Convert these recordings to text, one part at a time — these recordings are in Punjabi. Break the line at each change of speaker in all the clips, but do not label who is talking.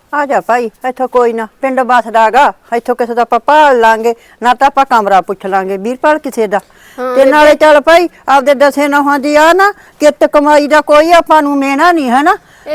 ਆ ਜਾ ਭਾਈ ਇੱਥੋਂ ਕੋਈ ਨਾ ਪਿੰਡ ਬਸਦਾਗਾ ਇੱਥੋਂ ਕਿਸੇ ਦਾ ਆਪਾਂ ਭਾਲ ਲਾਂਗੇ ਨਾ ਤਾਂ ਆਪਾਂ ਕਮਰਾ ਪੁੱਛ ਲਾਂਗੇ ਵੀਰਪਾਲ ਕਿਸੇ ਦਾ ਤੇ ਨਾਲੇ ਚੱਲ ਭਾਈ ਆਪਦੇ ਦਸੇ ਨਹਾਂ ਦੀ ਆ ਨਾ ਕਿਤ ਕਮਾਈ ਦਾ ਕੋਈ ਆਪਾਂ ਨੂੰ ਮੇਣਾ ਨਹੀਂ ਹੈ ਨਾ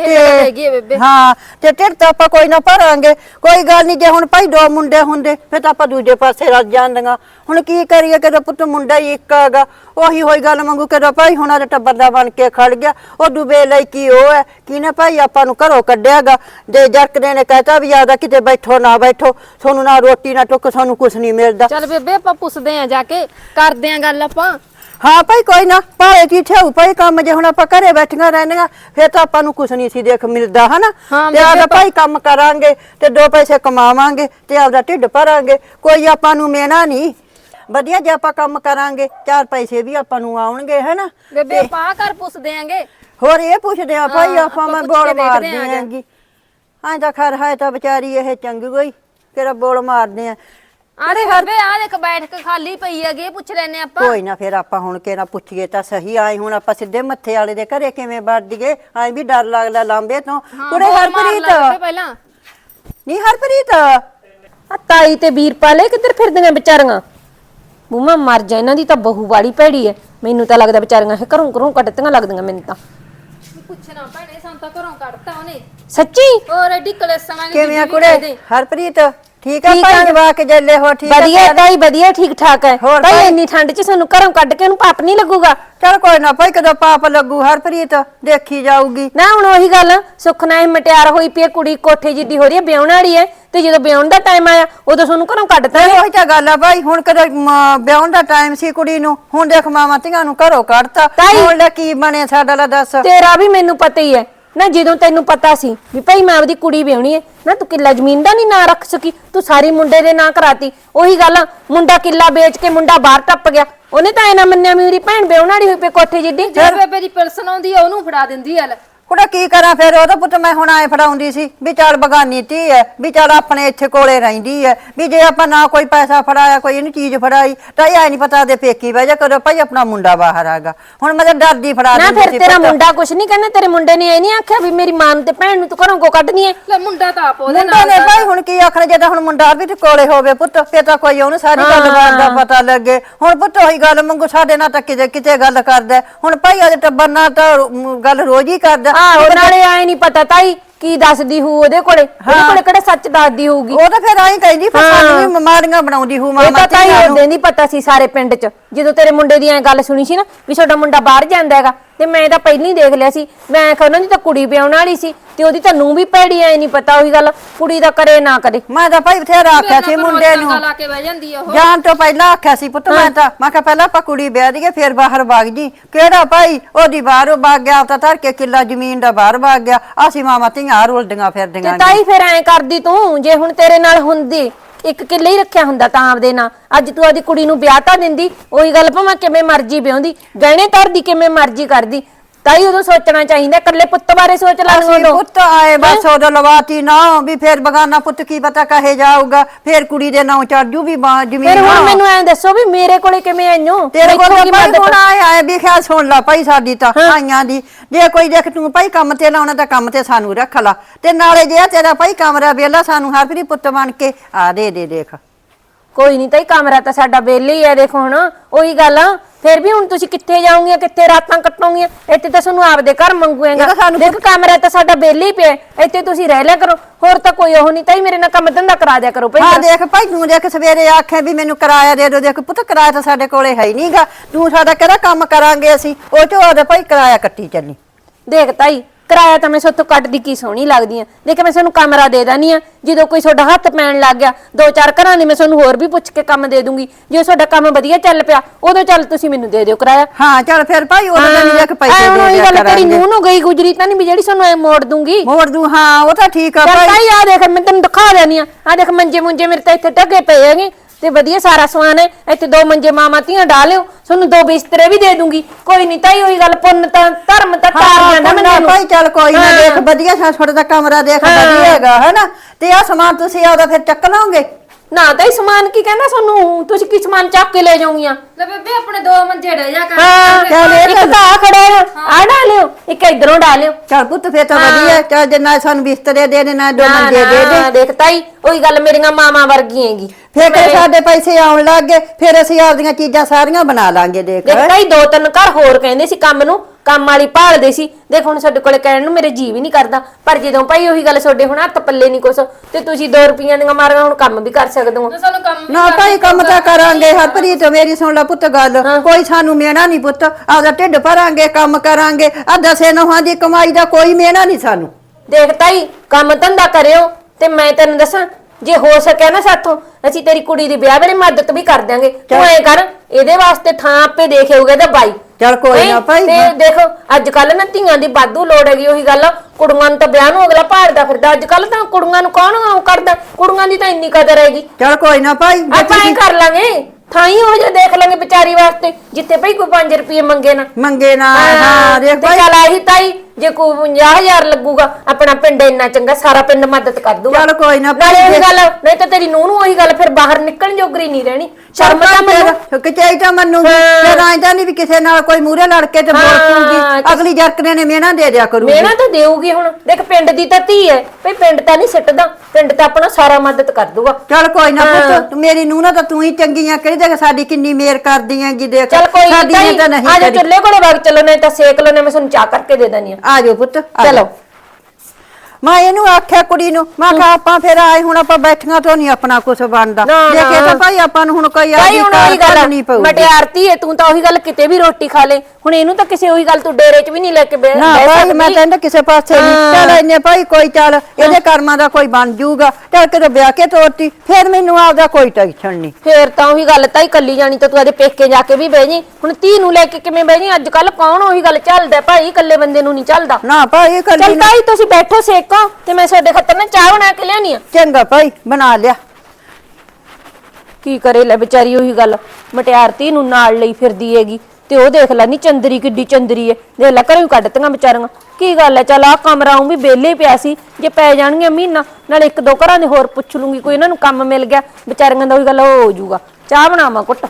ਹਾਂ ਤੇ ਢਿੱਡ ਤਾਂ ਆਪਾਂ ਕੋਈ ਨਾ ਭਰਾਂਗੇ ਕੋਈ ਗੱਲ ਨਹੀਂ ਜੇ ਹੁਣ ਭਾਈ ਦੋ ਮੁੰਡੇ ਹੁੰਦੇ ਫਿਰ ਤਾਂ ਆਪਾਂ ਦੂਜੇ ਪਾਸੇ ਰੱਜ ਜਾਂਦੀਆਂ ਹੁਣ ਕੀ ਕਰੀਏ ਕਦੋਂ ਪੁੱਤ ਮੁੰਡਾ ਹੀ ਇੱਕ ਹੈਗਾ ਉਹੀ ਹੋਈ ਗੱਲ ਮੰਗੂ ਕਦੋਂ ਭਾਈ ਹੁਣ ਆ ਟੱਬਰ ਦਾ ਬਣ ਕੇ ਖੜ ਗਿਆ ਉਹ ਡੁਬੇ ਲਈ ਕੀ ਉਹ ਹੈ ਕਿਨੇ ਭਾਈ ਆਪਾਂ ਨੂੰ ਘਰੋਂ ਕੱਢਿਆਗਾ ਜੇ ਜਰਕਦੇ ਨੇ ਕਹਿਤਾ ਵੀ ਆਦਾ ਕਿਤੇ ਬੈਠੋ ਨਾ ਬੈਠੋ ਤੁਹਾਨੂੰ ਨਾ ਰੋਟੀ ਨਾ ਟੁੱਕ ਸਾਨੂੰ ਕੁਝ ਨਹੀਂ ਮਿਲਦਾ
ਚੱਲ ਬੇਬੇ ਆਪਾਂ ਪੁੱਛਦੇ ਆ ਜਾ ਕੇ ਕਰਦੇ ਆ ਗੱਲ ਆਪਾਂ
ਹਾਂ ਭਾਈ ਕੋਈ ਨਾ ਭਾਵੇਂ ਕੀ ਠੇਉ ਭਾਈ ਕੰਮ ਜੇ ਹੁਣ ਆਪਾਂ ਘਰੇ ਬੈਠੀਆਂ ਰਹਿੰਦੀਆਂ ਫਿਰ ਤਾਂ ਆਪਾਂ ਨੂੰ ਕੁਝ ਨਹੀਂ ਸੀ ਦੇਖ ਮਿਲਦਾ ਹਨਾ ਤੇ ਆਪਦਾ ਭਾਈ ਕੰਮ ਕਰਾਂਗੇ ਤੇ ਦੋ ਪੈਸੇ ਕਮਾਵਾਂਗੇ ਤੇ ਆਪਦਾ ਢਿੱਡ ਭਰਾਂਗੇ ਕੋਈ ਆਪਾਂ ਨੂੰ ਮੇਣਾ ਨਹੀਂ ਵਧੀਆ ਜੇ ਆਪਾਂ ਕੰਮ ਕਰਾਂਗੇ ਚਾਰ ਪੈਸੇ ਵੀ ਆਪਾਂ ਨੂੰ ਆਉਣਗੇ ਹੈਨਾ
ਬੇਬੇ ਆਪਾਂ ਘਰ ਪੁੱਛਦੇ ਆਂਗੇ
ਹੋਰ ਇਹ ਪੁੱਛਦੇ ਆ ਭਾਈ ਆਪਾਂ ਮੈਂ ਬੋਲ ਮਾਰਦੀ ਆਂਗੀ ਹਾਂ ਤਾਂ ਖਰ ਹੈ ਤਾਂ ਵਿਚਾਰੀ ਇਹ ਚੰਗੀ ਗਈ ਤੇਰਾ ਬੋਲ ਮਾਰਦੇ ਆ
ਅਰੇ ਬੇਬੇ ਆ ਦੇਖ ਬੈਠ ਕੇ ਖਾਲੀ ਪਈ ਹੈਗੀ ਪੁੱਛ ਲੈਨੇ ਆਪਾਂ
ਕੋਈ ਨਾ ਫਿਰ ਆਪਾਂ ਹੁਣ ਕਿਹੜਾ ਪੁੱਛੀਏ ਤਾਂ ਸਹੀ ਆਏ ਹੁਣ ਆਪਾਂ ਸਿੱਧੇ ਮੱਥੇ ਵਾਲੇ ਦੇ ਘਰੇ ਕਿਵੇਂ ਵੜ ਜੀਏ ਐ ਵੀ ਡਰ ਲੱਗਦਾ ਲਾਂਬੇ ਤੋਂ ਕੁੜੇ ਹਰਪ੍ਰੀਤ
ਪਹਿਲਾਂ
ਨਹੀਂ ਹਰਪ੍ਰੀਤ
ਆ ਤਾਈ ਤੇ ਵੀਰਪਾਲੇ ਕਿੱਧਰ ਫਿਰਦੀਆਂ ਵਿਚਾਰੀਆਂ ਬੂਮਾ ਮਰ ਜਾ ਇਹਨਾਂ ਦੀ ਤਾਂ ਬਹੂ ਵਾਲੀ ਭੈੜੀ ਐ ਮੈਨੂੰ ਤਾਂ ਲੱਗਦਾ ਵਿਚਾਰੀਆਂ ਇਹ ਘਰੋਂ ਕੱਢਤੀਆਂ ਲੱਗਦੀਆਂ ਮੈਨੂੰ ਤਾਂ
ਪੁੱਛਣਾ ਭੈਣੇ ਸਾਨੂੰ ਤਾਂ ਘਰੋਂ ਕੱਢਤਾ ਉਹਨੇ
ਸੱਚੀ
ਹੋਰ ਐਡੀ ਕਲੇਸਾਂ ਵਾਲੀ
ਕਿਵੇਂ ਆ ਕੁੜੇ ਹਰਪ੍ਰੀਤ ਠੀਕ ਆ ਭਾਈ ਜਵਾ ਕੇ ਜੱਲੇ ਹੋ ਠੀਕ
ਵਧੀਆ ਤਾਈ ਵਧੀਆ ਠੀਕ ਠਾਕ ਹੈ
ਹੋਰ
ਤਾਈ ਇੰਨੀ ਠੰਡ 'ਚ ਸਾਨੂੰ ਘਰੋਂ ਕੱਢ ਕੇ ਉਹਨੂੰ ਪਾਪ ਨਹੀਂ ਲੱਗੂਗਾ
ਚਲ ਕੋਈ ਨਾ ਭਾਈ ਕਦੋਂ ਪਾਪ ਲੱਗੂ ਹਰਪ੍ਰੀਤ ਦੇਖੀ ਜਾਊਗੀ
ਨਾ ਹੁਣ ਉਹੀ ਗੱਲ ਸੁੱਖ ਨਾਲ ਮਟਿਆਰ ਹੋਈ ਪਈ ਕੁੜੀ ਕੋਠੇ ਜਿੱਡੀ ਹੋ ਰਹੀ ਹੈ ਵਿਆਹਣ ਵਾਲੀ ਹੈ ਤੇ ਜਦੋਂ ਵਿਆਹਣ ਦਾ ਟਾਈਮ ਆਇਆ ਉਦੋਂ ਤੁਹਾਨੂੰ ਘਰੋਂ ਕੱਢਤਾ
ਉਹੀ ਤਾਂ ਗੱਲ ਆ ਭਾਈ ਹੁਣ ਕਦੋਂ ਵਿਆਹਣ ਦਾ ਟਾਈਮ ਸੀ ਕੁੜੀ ਨੂੰ ਹੁਣ ਦੇਖ ਮਾਵਾਂ ਧੀਆਂ ਨੂੰ ਘਰੋਂ ਕੱਢਤਾ ਹੁਣ ਲੈ ਕੀ ਬਣੇ ਸਾਡਾ ਲਾ ਦੱਸ
ਤੇਰਾ ਵੀ ਮੈਨੂੰ ਪਤਾ ਹੀ ਹੈ ਨਾ ਜਦੋਂ ਤੈਨੂੰ ਪਤਾ ਸੀ ਵੀ ਭਾਈ ਮੈਂ ਆਪਦੀ ਕੁੜੀ ਵਿਆਹਣੀ ਹੈ ਨਾ ਤੂੰ ਕਿੱਲਾ ਜ਼ਮੀਨ ਦਾ ਨਹੀਂ ਨਾਂ ਰੱਖ ਸਕੀ ਤੂੰ ਸਾਰੀ ਮੁੰਡੇ ਦੇ ਨਾਂ ਕਰਾਤੀ ਉਹੀ ਗੱਲ ਮੁੰਡਾ ਕਿੱਲਾ ਵੇਚ ਕੇ ਮੁੰਡਾ ਬਾਹਰ ਟੱਪ ਗਿਆ ਉਹਨੇ ਤਾਂ ਐਨਾ ਮੰਨਿਆ ਮੇਰੀ ਭੈਣ ਵਿਆਹਣ ਵਾਲੀ ਹੋਈ ਪਈ ਕੋਠੇ ਜਿੱਡੀ
ਜੇ ਬੇਬੇ ਦੀ ਪਿਲਸਨ ਆਉਂਦੀ ਆ ਉਹਨੂੰ ਫੜਾ ਦਿੰਦੀ ਆ ਲੈ
ਕੁੜਾ ਕੀ ਕਰਾਂ ਫਿਰ ਉਹਦਾ ਪੁੱਤ ਮੈਂ ਹੁਣ ਆਏ ਫੜਾਉਂਦੀ ਸੀ ਵੀ ਚੱਲ ਬਗਾਨੀ ਧੀ ਹੈ ਵੀ ਚੱਲ ਆਪਣੇ ਇੱਥੇ ਕੋਲੇ ਰਹਿੰਦੀ ਹੈ ਵੀ ਜੇ ਆਪਾਂ ਨਾ ਕੋਈ ਪੈਸਾ ਫੜਾਇਆ ਕੋਈ ਇਹਨੂੰ ਚੀਜ਼ ਫੜਾਈ ਤਾਂ ਇਹ ਨਹੀਂ ਪਤਾ ਦੇ ਪੇਕੀ ਵਜਾ ਕਰੋ ਭਾਈ ਆਪਣਾ ਮੁੰਡਾ ਬਾਹਰ ਆਗਾ ਹੁਣ ਮੈਂ ਤਾਂ ਡਰਦੀ ਫੜਾ
ਦਿੰਦੀ ਸੀ ਨਾ ਫਿਰ ਤੇਰਾ ਮੁੰਡਾ ਕੁਛ ਨਹੀਂ ਕਹਿੰਦਾ ਤੇਰੇ ਮੁੰਡੇ ਨੇ ਇਹ ਨਹੀਂ ਆਖਿਆ ਵੀ ਮੇਰੀ ਮਾਂ ਤੇ ਭੈਣ ਨੂੰ ਤੂੰ ਘਰੋਂ ਕੋ ਕੱਢਣੀ ਹੈ
ਲੈ ਮੁੰਡਾ ਤਾਂ ਆਪ ਉਹਦੇ
ਨਾਲ ਨੇ ਭਾਈ ਹੁਣ ਕੀ ਆਖਣਾ ਜੇ ਤਾਂ ਹੁਣ ਮੁੰਡਾ ਵੀ ਤੇ ਕੋਲੇ ਹੋਵੇ ਪੁੱਤ ਫੇਰ ਤਾਂ ਕੋਈ ਉਹਨੂੰ ਸਾਰੀ ਗੱਲਬਾਤ ਦਾ ਪਤਾ ਲੱਗੇ ਹੁਣ ਪੁੱਤ ਉਹੀ ਗੱਲ ਮੰਗੂ ਸਾਡੇ ਨਾਲ ਤਾਂ ਕਿਤੇ ਗੱਲ ਕਰਦਾ ਹੁਣ ਭਾਈ ਉਹਦੇ ਟੱਬਰ ਨਾਲ ਤਾਂ ਗੱਲ ਰੋਜ਼ ਹੀ ਕਰਦਾ
ਆਹੋ ਨਾਲੇ ਨਹੀਂ ਪਤਾ ਤਾਈ ਕੀ ਦੱਸਦੀ ਹੂ ਉਹਦੇ ਕੋਲੇ ਕਿਹੜਾ ਸੱਚ ਦੱਸਦੀ ਹੋਊਗੀ
ਉਹ ਤਾਂ ਫਿਰ ਆਈ ਕਹਿੰਦੀ ਪਰ ਸਾਨੂੰ ਵੀ ਬਿਮਾਰੀਆਂ ਬਣਾਉਂਦੀ ਹੂ ਮਾਂ
ਤਾਂ ਤਾਈ ਉਹਦੇ ਨਹੀਂ ਪਤਾ ਸੀ ਸਾਰੇ ਪਿੰਡ 'ਚ ਜਦੋਂ ਤੇਰੇ ਮੁੰਡੇ ਦੀ ਐ ਗੱਲ ਸੁਣੀ ਸੀ ਨਾ ਵੀ ਤੁਹਾਡਾ ਮੁੰਡਾ ਬਾਹਰ ਜਾਂਦਾ ਹੈਗਾ ਤੇ ਮੈਂ ਤਾਂ ਪਹਿਲਾਂ ਹੀ ਦੇਖ ਲਿਆ ਸੀ ਮੈਂ ਆਖਿਆ ਉਹਨਾਂ ਦੀ ਤਾਂ ਕੁੜੀ ਵਿਆਹਣ ਵਾਲੀ ਸੀ ਤੇ ਉਹਦੀ ਤਾਂ ਨੂੰ ਵੀ ਭੈੜੀ ਐ ਨਹੀਂ ਪਤਾ ਉਹੀ ਗੱਲ ਕੁੜੀ ਦਾ ਕਰੇ ਨਾ ਕਰੇ
ਮੈਂ ਤਾਂ ਭਾਈ ਬਥੇਰਾ ਆਖਿਆ ਸੀ ਮੁੰਡੇ ਨੂੰ
ਲਾ ਕੇ ਬਹਿ ਜਾਂਦੀ ਆ ਉਹ
ਜਾਣ ਤੋਂ ਪਹਿਲਾਂ ਆਖਿਆ ਸੀ ਪੁੱਤ ਮੈਂ ਕਿਹਾ ਪਹਿਲਾਂ ਆਪਾਂ ਕੁੜੀ ਵਿਆਹ ਦੀਏ ਫਿਰ ਬਾਹਰ ਵਗ ਜੀ ਕਿਹੜਾ ਭਾਈ ਉਹਦੀ ਬਾਹਰੋਂ ਵਗ ਗਿਆ ਤਾਂ ਧਰ ਕੇ ਕਿੱਲਾ ਜ਼ਮੀਨ ਦਾ ਬਾਹਰ ਵਗ ਗਿਆ ਅਸੀਂ ਮਾਮਾ ਧੀਆਂ ਰੁਲਦੀਆਂ ਫਿਰਦੀਆਂ
ਤੇ ਤਾਈ ਫਿਰ ਐ ਕਰਦੀ ਤੂੰ ਜੇ ਹੁਣ ਤੇਰੇ ਨਾਲ ਹੁੰਦੀ ਇੱਕ ਕਿੱਲੇ ਹੀ ਰੱਖਿਆ ਹੁੰਦਾ ਤਾਂ ਆਪਦੇ ਨਾਲ ਅੱਜ ਤੂੰ ਆਦੀ ਕੁੜੀ ਨੂੰ ਵਿਆਹ ਤਾਂ ਦਿੰਦੀ ਉਹੀ ਗੱਲ ਭਾਵੇਂ ਕਿਵੇਂ ਮਰਜ਼ੀ ਵਿਆਹੁੰਦੀ ਗਹਿਣੇ ਧਰਦੀ ਕਿਵੇਂ ਮਰਜ਼ੀ ਕਰਦੀ ਤਾਈ ਉਦੋਂ ਸੋਚਣਾ ਚਾਹੀਦਾ ਇਕੱਲੇ ਪੁੱਤ ਬਾਰੇ ਸੋਚ ਲਾਂਗੇ ਉਦੋਂ
ਪੁੱਤ ਆਏ ਬਸ ਉਦੋਂ ਲਵਾਤੀ ਨਾ ਵੀ ਫਿਰ ਬਗਾਨਾ ਪੁੱਤ ਕੀ ਪਤਾ ਕਹੇ ਜਾਊਗਾ ਫਿਰ ਕੁੜੀ ਦੇ ਨਾਂ ਚੜ ਜੂ ਵੀ ਜ਼ਮੀਨ
ਫਿਰ ਹੁਣ ਮੈਨੂੰ ਐਂ ਦੱਸੋ ਵੀ ਮੇਰੇ ਕੋਲੇ ਕਿਵੇਂ ਆਈਓ
ਤੇਰੇ ਕੋਲ ਭਾਈ ਹੁਣ ਆਏ ਵੀ ਖਿਆਲ ਸੁਣ ਲਾ ਭਾਈ ਸਾਡੀ ਤਾਂ ਆਈਆਂ ਦੀ ਜੇ ਕੋਈ ਦੇਖ ਤੂੰ ਭਾਈ ਕੰਮ ਤੇ ਲਾਉਣਾ ਤਾਂ ਕੰਮ ਤੇ ਸਾਨੂੰ ਰੱਖ ਲਾ ਤੇ ਨਾਲੇ ਜੇ ਤੇਰਾ ਭਾਈ ਕਮਰਾ ਵੇਲਾ ਸਾਨੂੰ ਹਰਪ੍ਰੀਤ ਪੁੱਤ ਬਣ ਕੇ ਆ ਦੇ ਦੇਖ
ਕੋਈ ਨਹੀਂ ਤਾਈ ਕਮਰਾ ਤਾਂ ਸਾਡਾ ਵਿਹਲੇ ਹੀ ਆ ਦੇਖੋ ਹੁਣ ਉਹੀ ਗੱਲ ਫਿਰ ਵੀ ਹੁਣ ਤੁਸੀਂ ਕਿੱਥੇ ਜਾਓਗੀਆਂ ਕਿੱਥੇ ਰਾਤਾਂ ਕੱਟੋਗੀਆਂ ਇੱਥੇ ਤਾਂ ਤੁਹਾਨੂੰ ਆਪਦੇ ਘਰ ਮੰਗੂਏਗਾ ਦੇਖ ਕਮਰਾ ਤਾਂ ਸਾਡਾ ਵਿਹਲੇ ਹੀ ਪਿਆ ਇੱਥੇ ਤੁਸੀਂ ਰਹਿ ਲਿਆ ਕਰੋ ਹੋਰ ਤਾਂ ਕੋਈ ਉਹ ਨਹੀਂ ਤਾਈ ਮੇਰੇ ਨਾਲ ਕੰਮ ਧੰਦਾ ਕਰਾ ਦਿਆ ਕਰੋ
ਹਾਂ ਦੇਖ ਭਾਈ ਤੂੰ ਦੇਖ ਸਵੇਰੇ ਆਖੇ ਵੀ ਮੈਨੂੰ ਕਿਰਾਇਆ ਦੇ ਦਿਓ ਦੇਖ ਪੁੱਤ ਕਿਰਾਇਆ ਤਾਂ ਸਾਡੇ ਕੋਲੇ ਹੈ ਹੀ ਨਹੀਂਗਾ ਤੂੰ ਸਾਡਾ ਕਿਹੜਾ ਕੰਮ ਕਰਾਂਗੇ ਅਸੀਂ ਉਹ ਚੋਂ ਆਦਾ ਭਾਈ ਕਿਰਾਇਆ ਕੱਟੀ ਚੱਲੀ
ਦੇਖ ਤਾਈ ਕਿਰਾਇਆ ਤਾਂ ਮੈਂ ਸੋਥੋਂ ਕੱਟਦੀ ਕੀ ਸੋਹਣੀ ਲੱਗਦੀ ਆ ਦੇਖ ਮੈਂ ਤੁਹਾਨੂੰ ਕਮਰਾ ਦੇ ਦਾਨੀ ਆ ਜਦੋਂ ਕੋਈ ਤੁਹਾਡਾ ਹੱਥ ਪੈਣ ਲੱਗ ਗਿਆ ਦੋ ਚਾਰ ਘਰਾਂ ਦੀ ਮੈਂ ਤੁਹਾਨੂੰ ਹੋਰ ਵੀ ਪੁੱਛ ਕੇ ਕੰਮ ਦੇ ਦੂੰਗੀ ਜੇ ਤੁਹਾਡਾ ਕੰਮ ਵਧੀਆ ਚੱਲ ਪਿਆ ਉਦੋਂ ਚੱਲ ਤੁਸੀਂ ਮੈਨੂੰ ਦੇ ਦਿਓ ਕਿਰਾਇਆ
ਹਾਂ ਚੱਲ ਫਿਰ ਭਾਈ ਉਦੋਂ ਨਹੀਂ ਦੇਖ ਪੈਸੇ ਦੇ ਦਿਆ
ਕਰਾਂਗੇ ਤੇਰੀ ਨੂੰਹ ਨੂੰ ਗਈ ਗੁਜਰੀ ਤਾਂ ਨਹੀਂ ਵੀ ਜਿਹੜੀ ਸਾਨੂੰ ਐ ਮੋੜ ਦੂੰਗੀ
ਮੋੜ ਦੂੰ ਹਾਂ ਉਹ ਤਾਂ ਠੀਕ ਆ
ਭਾਈ ਆ ਦੇਖ ਮੈਂ ਤੈਨੂੰ ਦਿਖਾ ਦੇਣੀ ਆ ਦੇਖ ਮੰਜੇ ਮੁੰਜੇ ਮੇਰੇ ਤਾਂ ਇੱਥੇ ਟੱਗੇ ਪਏ ਹੈਗੇ ਤੇ ਵਧੀਆ ਸਾਰਾ ਸਮਾਨ ਹੈ ਇੱਥੇ ਦੋ ਮੰਜੇ ਮਾਮਾ ਧੀਆਂ ਡਾਲਿਓ ਤੁਹਾਨੂੰ ਦੋ ਬਿਸਤਰੇ ਵੀ ਦੇ ਦੂੰਗੀ ਕੋਈ ਨਹੀਂ ਤਾਈ ਉਹੀ ਗੱਲ ਪੁੰਨ ਤਾਂ ਧਰਮ ਤਾਂ ਤਾਰ ਜਾਂਦਾ ਮੈਨੂੰ
ਭਾਈ ਚੱਲ ਕੋਈ ਨਾ ਦੇਖ ਵਧੀਆ ਛੋਟਾ ਦਾ ਕਮਰਾ ਦੇਖ ਵਧੀਆ ਹੈਗਾ ਹੈਨਾ ਤੇ ਆ ਸਮਾਨ ਤੁਸੀਂ ਆਉਦਾ ਫਿਰ ਚੱਕ ਲਓਗੇ
ਨਾ ਤਾਂ ਇਹ ਸਮਾਨ ਕੀ ਕਹਿੰਦਾ ਸਾਨੂੰ, ਤੁਸੀਂ ਕੀ ਸਮਾਨ ਚੱਕ ਕੇ ਲੈ ਜਾਓਗੀਆਂ?
ਲੈ ਬੇਬੇ ਆਪਣੇ ਦੋ ਮੰਜੇ ਡੇ ਜਾ ਕਰ
ਹਾਂ
ਚੱਲ ਇਹ
ਇੱਕ ਤਾਂ ਆ ਖੜਾ ਹੈ, ਆ ਡਾਲਿਓ, ਇੱਕ ਇਧਰੋਂ ਡਾਲਿਓ।
ਚੱਲ ਪੁੱਤ ਫੇਰ ਤਾਂ ਵਧੀਆ ਚੱਲ ਜੇ ਨਾ ਸਾਨੂੰ ਬਿਸਤਰੇ ਦੇ ਦੇ ਨਾ ਦੋ ਮੰਜੇ ਦੇ ਦੇ।
ਦੇਖ ਤਾਈ ਉਹੀ ਗੱਲ ਮੇਰੀਆਂ ਮਾਵਾਂ ਵਰਗੀ ਹੈਗੀ।
ਫੇਰ ਕਿ ਸਾਡੇ ਪੈਸੇ ਆਉਣ ਲੱਗ ਗਏ ਫਿਰ ਅਸੀਂ ਆਪਦੀਆਂ ਚੀਜ਼ਾਂ ਸਾਰੀਆਂ ਬਣਾ ਲਾਂਗੇ ਦੇਖ।
ਦੇਖ ਤਾਈ 2-3 ਘਰ ਹੋਰ ਕਹਿੰਦੇ ਸੀ ਕੰਮ ਨੂੰ, ਕੰਮ ਵਾਲੀ ਭਾਲਦੇ ਸੀ। ਦੇਖ ਹੁਣ ਸਾਡੇ ਕੋਲੇ ਕਹਿਣ ਨੂੰ ਮੇਰੇ ਜੀ ਵੀ ਨਹੀਂ ਕਰਦਾ, ਪਰ ਜਦੋਂ ਭਾਈ ਉਹੀ ਗੱਲ ਤੁਹਾਡੇ ਹੁਣ ਹੱਥ ਪੱਲੇ ਨਹੀਂ ਕੁਛ ਤੇ ਤੁਸੀਂ 2 ਰੁਪਈਆਂ ਦੀਆਂ ਮਾਰੀਆਂ ਹੁਣ ਕੰਮ ਵੀ ਕਰ ਸਕਦੇ ਹੋ।
ਸਾਨੂੰ ਕੰਮ
ਨਾ ਭਾਈ ਕੰਮ ਤਾਂ ਕਰਾਂਗੇ ਹਰਪ੍ਰੀਤ ਮੇਰੀ ਸੁਣ ਲੈ ਪੁੱਤ ਗੱਲ, ਕੋਈ ਸਾਨੂੰ ਮਿਹਣਾ ਨਹੀਂ ਪੁੱਤ, ਆਪਦਾ ਢਿੱਡ ਭਰਾਂਗੇ ਕੰਮ ਕਰਾਂਗੇ। ਆ ਦਸੇ ਨੋਹਾਂ ਦੀ ਕਮਾਈ ਦਾ ਕੋਈ ਮਿਹਣਾ ਨਹੀਂ ਸਾਨੂੰ।
ਦੇਖ ਤਾਈ ਕੰਮ ਧੰਦਾ ਕਰਿਓ ਤੇ ਮੈਂ ਤੈਨੂੰ ਦੱਸਾਂ ਜੇ ਹੋ ਸਕਿਆ ਨਾ ਸਾਥੋਂ ਅਸੀਂ ਤੇਰੀ ਕੁੜੀ ਦੀ ਵਿਆਹ ਵੇਲੇ ਮਦਦ ਵੀ ਕਰ ਦਿਆਂਗੇ। ਤੂੰ ਐ ਕਰ ਇਹਦੇ ਵਾਸਤੇ ਥਾਂ ਆਪੇ ਦੇਖੇਉਗੇ ਤੇ ਬਾਈ।
ਚੱਲ ਕੋਈ ਨਾ ਭਾਈ।
ਤੇ ਦੇਖੋ ਅੱਜ ਕੱਲ ਨਾ ਧੀਆਂ ਦੀ ਵਾਧੂ ਲੋੜ ਹੈਗੀ। ਉਹੀ ਗੱਲ ਕੁੜੀਆਂ ਨੂੰ ਤਾਂ ਵਿਆਹ ਨੂੰ ਅਗਲਾ ਭਾਲਦਾ ਫਿਰਦਾ, ਅੱਜ ਕੱਲ ਤਾਂ ਕੁੜੀਆਂ ਨੂੰ ਕੌਣ ਕਰਦਾ, ਕੁੜੀਆਂ ਦੀ ਤਾਂ ਇੰਨੀ ਕਦਰ ਹੈਗੀ।
ਚੱਲ ਕੋਈ ਨਾ ਭਾਈ
ਆਪਾਂ ਐ ਕਰ ਲਾਂਗੇ ਥਾਈ ਹੋ ਜਾ ਦੇਖ ਲਾਂਗੇ ਵਿਚਾਰੀ ਵਾਸਤੇ ਜਿੱਥੇ ਭਈ ਕੋਈ 5 ਰੁਪਏ ਮੰਗੇ ਨਾ
ਹਾਂ ਦੇਖ
ਤੇ
ਭਾਈ
ਚੱਲ ਆਹੀ ਤਾਈ ਜੇ ਕੋਈ 50000 ਲੱਗੂਗਾ ਆਪਣਾ ਪਿੰਡ ਇੰਨਾ ਚੰਗਾ ਸਾਰਾ ਪਿੰਡ ਮਦਦ ਕਰ ਦੂਗਾ।
ਚੱਲ ਕੋਈ ਨਾ
ਨਾਲੇ ਉਹੀ ਗੱਲ ਨਹੀਂ ਤਾਂ ਤੇਰੀ ਨੂੰਹ ਨੂੰ ਉਹੀ ਗੱਲ ਫਿਰ ਬਾਹਰ ਨਿਕਲਣ ਜੋਗਰੀ ਨਹੀਂ ਰਹਿਣੀ। ਸ਼ਰਮ ਤਾਂ ਮੈਨੂੰ
ਕਿਚਾਈ ਤਾਂ ਮੰਨੂਗੀ ਫਿਰ ਆਇਂ ਤਾਂ ਨਹੀਂ ਵੀ ਕਿਸੇ ਨਾਲ ਕੋਈ ਮੂਹਰੇ ਲੜ ਕੇ ਤੇ ਬੋਲ ਪੂਗੀ। ਅਗਲੀ ਜਰਕਨੇ ਨੇ ਮਿਹਣਾ ਦੇ ਦਿਆ ਕਰੂਗੀ।
ਮਿਹਣਾ ਤਾਂ ਦੇਊਗੀ। ਹੁਣ ਦੇਖ ਪਿੰਡ ਦੀ ਤਾਂ ਧੀ ਹੈ ਭਈ ਪਿੰਡ ਤਾਂ ਨਹੀਂ ਸਿੱਟਦਾ, ਪਿੰਡ ਤਾਂ ਆਪਣਾ ਸਾਰਾ ਮਦਦ ਕਰ ਦੂਗਾ।
ਚੱਲ ਕੋਈ ਨਾ ਪੁੱਤ ਮੇਰੀ ਨੂੰਹ ਨਾਲ ਤਾਂ ਤੂੰ ਹੀ ਚੰਗੀ ਆ, ਕਿਹੜੀ ਦੇਖ ਸਾਡੀ ਕਿੰਨੀ ਮੇਰ ਕਰਦੀ ਹੈਗੀ ਦੇਖ।
ਚੱਲ ਕੋਈ
ਸਾਡੀ ਨੇ ਤਾਂ
ਨਹੀਂ
ਨਹੀਂ
ਆਜੋ ਚੁੱਲ੍ਹੇ ਕੋਲੇ ਵਗ ਚੱਲੋ, ਨਹੀਂ ਤਾਂ ਸੇਕ ਲੋ, ਨੇ ਮੈਂ ਤੁਹਾਨੂੰ ਚਾਹ ਕਰਕੇ ਦੇ ਦਨੀ ਆ।
ਆਜੋ ਪੁੱਤ
ਚਲੋ
ਮੈਂ ਇਹਨੂੰ ਆਖਿਆ ਕੁੜੀ ਨੂੰ, ਮੈਂ ਕਿਹਾ ਆਪਾਂ ਫਿਰ ਆਏ ਹੁਣ ਆਪਾਂ ਬੈਠੀਆਂ ਤੋਂ ਨਹੀਂ ਆਪਣਾ ਕੁਝ ਬਣਦਾ। ਦੇਖੇ ਤਾਂ ਭਾਈ ਆਪਾਂ ਨੂੰ ਹੁਣ ਕੋਈ
ਭਾਈ ਹੁਣ ਉਹੀ ਗੱਲ
ਨਹੀਂ ਪਊ।
ਮਟਿਆਰਤੀ ਹੈ ਤੂੰ ਤਾਂ ਉਹੀ ਗੱਲ ਕਿਤੇ ਵੀ ਰੋਟੀ ਖਾ ਲੇ। ਹੁਣ ਇਹਨੂੰ ਤਾਂ ਕਿਸੇ ਉਹੀ ਗੱਲ ਤੂੰ ਡੇਰੇ 'ਚ ਵੀ ਨਹੀਂ ਲੈ ਕੇ ਬਹਿ
ਨਾ ਭਾਈ ਮੈਂ ਕਹਿੰਦਾ ਕਿਸੇ ਪਾਸੇ ਨਹੀਂ ਚੱਲ ਇੰਨੇ ਭਾਈ ਕੋਈ ਚੱਲ ਇਹਦੇ ਕਰਮਾਂ ਦਾ ਕੋਈ ਬਣ ਜਾਊਗਾ। ਚੱਲ ਕਿਤੇ ਵਿਆਹ ਕੇ ਤੋਰਤੀ ਫਿਰ ਮੈਨੂੰ ਆਪਦਾ ਕੋਈ ਟੈਨਸ਼ਨ ਨਹੀਂ।
ਫੇਰ ਤਾਂ ਉਹੀ ਗੱਲ ਤਾਈ ਕੱਲੀ ਜਾਣੀ ਤਾਂ ਤੂੰ ਆਦੇ ਪੇਕੇ ਜਾ ਕੇ ਵੀ ਬਹਿ ਜੀ। ਹੁਣ ਧੀ ਨੂੰ ਲੈ ਕੇ ਕਿਵੇਂ ਬਹਿ ਜੀ? ਅੱਜ ਕੱਲ ਕੌਣ ਉਹੀ ਗੱਲ ਚੱਲਦਾ ਭਾਈ, ਇਕੱਲੇ ਬੰਦੇ ਨੂੰ ਨਹੀਂ ਚੱਲਦਾ।
ਨਾ ਭਾਈ ਕੱਲੀ
ਚੱਲ ਤਾਈ ਤੁਸੀਂ ਬੈਠੋ ਸੇਕੋ ਤੇ ਮੈਂ ਤੁਹਾਡੇ ਖਾਤਰ ਨਾ ਚਾਹ ਬਣਾ ਕੇ ਲਿਆਨੀ ਆ।
ਚੰਗਾ ਭਾਈ ਬਣਾ ਲਿਆ।
ਕੀ ਕਰੇ ਲੈ ਵਿਚਾਰੀ ਉਹੀ ਗੱਲ ਮਟਿਆਰਤੀ ਨੂੰ ਨਾਲ ਲਈ ਫਿਰਦੀ ਹੈਗੀ ਤੇ ਉਹ ਦੇਖ ਲੈ ਨੀ ਚੰਦਰੀ ਕਿੱਡੀ ਚੰਦਰੀ ਏ। ਦੇਖ ਲੈ ਘਰੋਂ ਕੱਢਤੀਆਂ ਵਿਚਾਰੀਆਂ। ਕੀ ਗੱਲ ਹੈ ਚੱਲ ਆ ਕਮਰਾ ਵੀ ਵਿਹਲੇ ਪਿਆ ਸੀ, ਜੇ ਪੈ ਜਾਣਗੀਆਂ ਮਹੀਨਾ ਨਾਲ 1-2 ਘਰਾਂ ਦੇ ਹੋਰ ਪੁੱਛ ਲੂੰਗੀ, ਕੋਈ ਇਹਨਾਂ ਨੂੰ ਕੰਮ ਮਿਲ ਗਿਆ ਵਿਚਾਰੀਆਂ ਦਾ ਉਹੀ ਗੱਲ ਹੋ ਜਾਊਗਾ। ਚਾਹ ਬਣਾਵਾਂ ਕੁੱਟ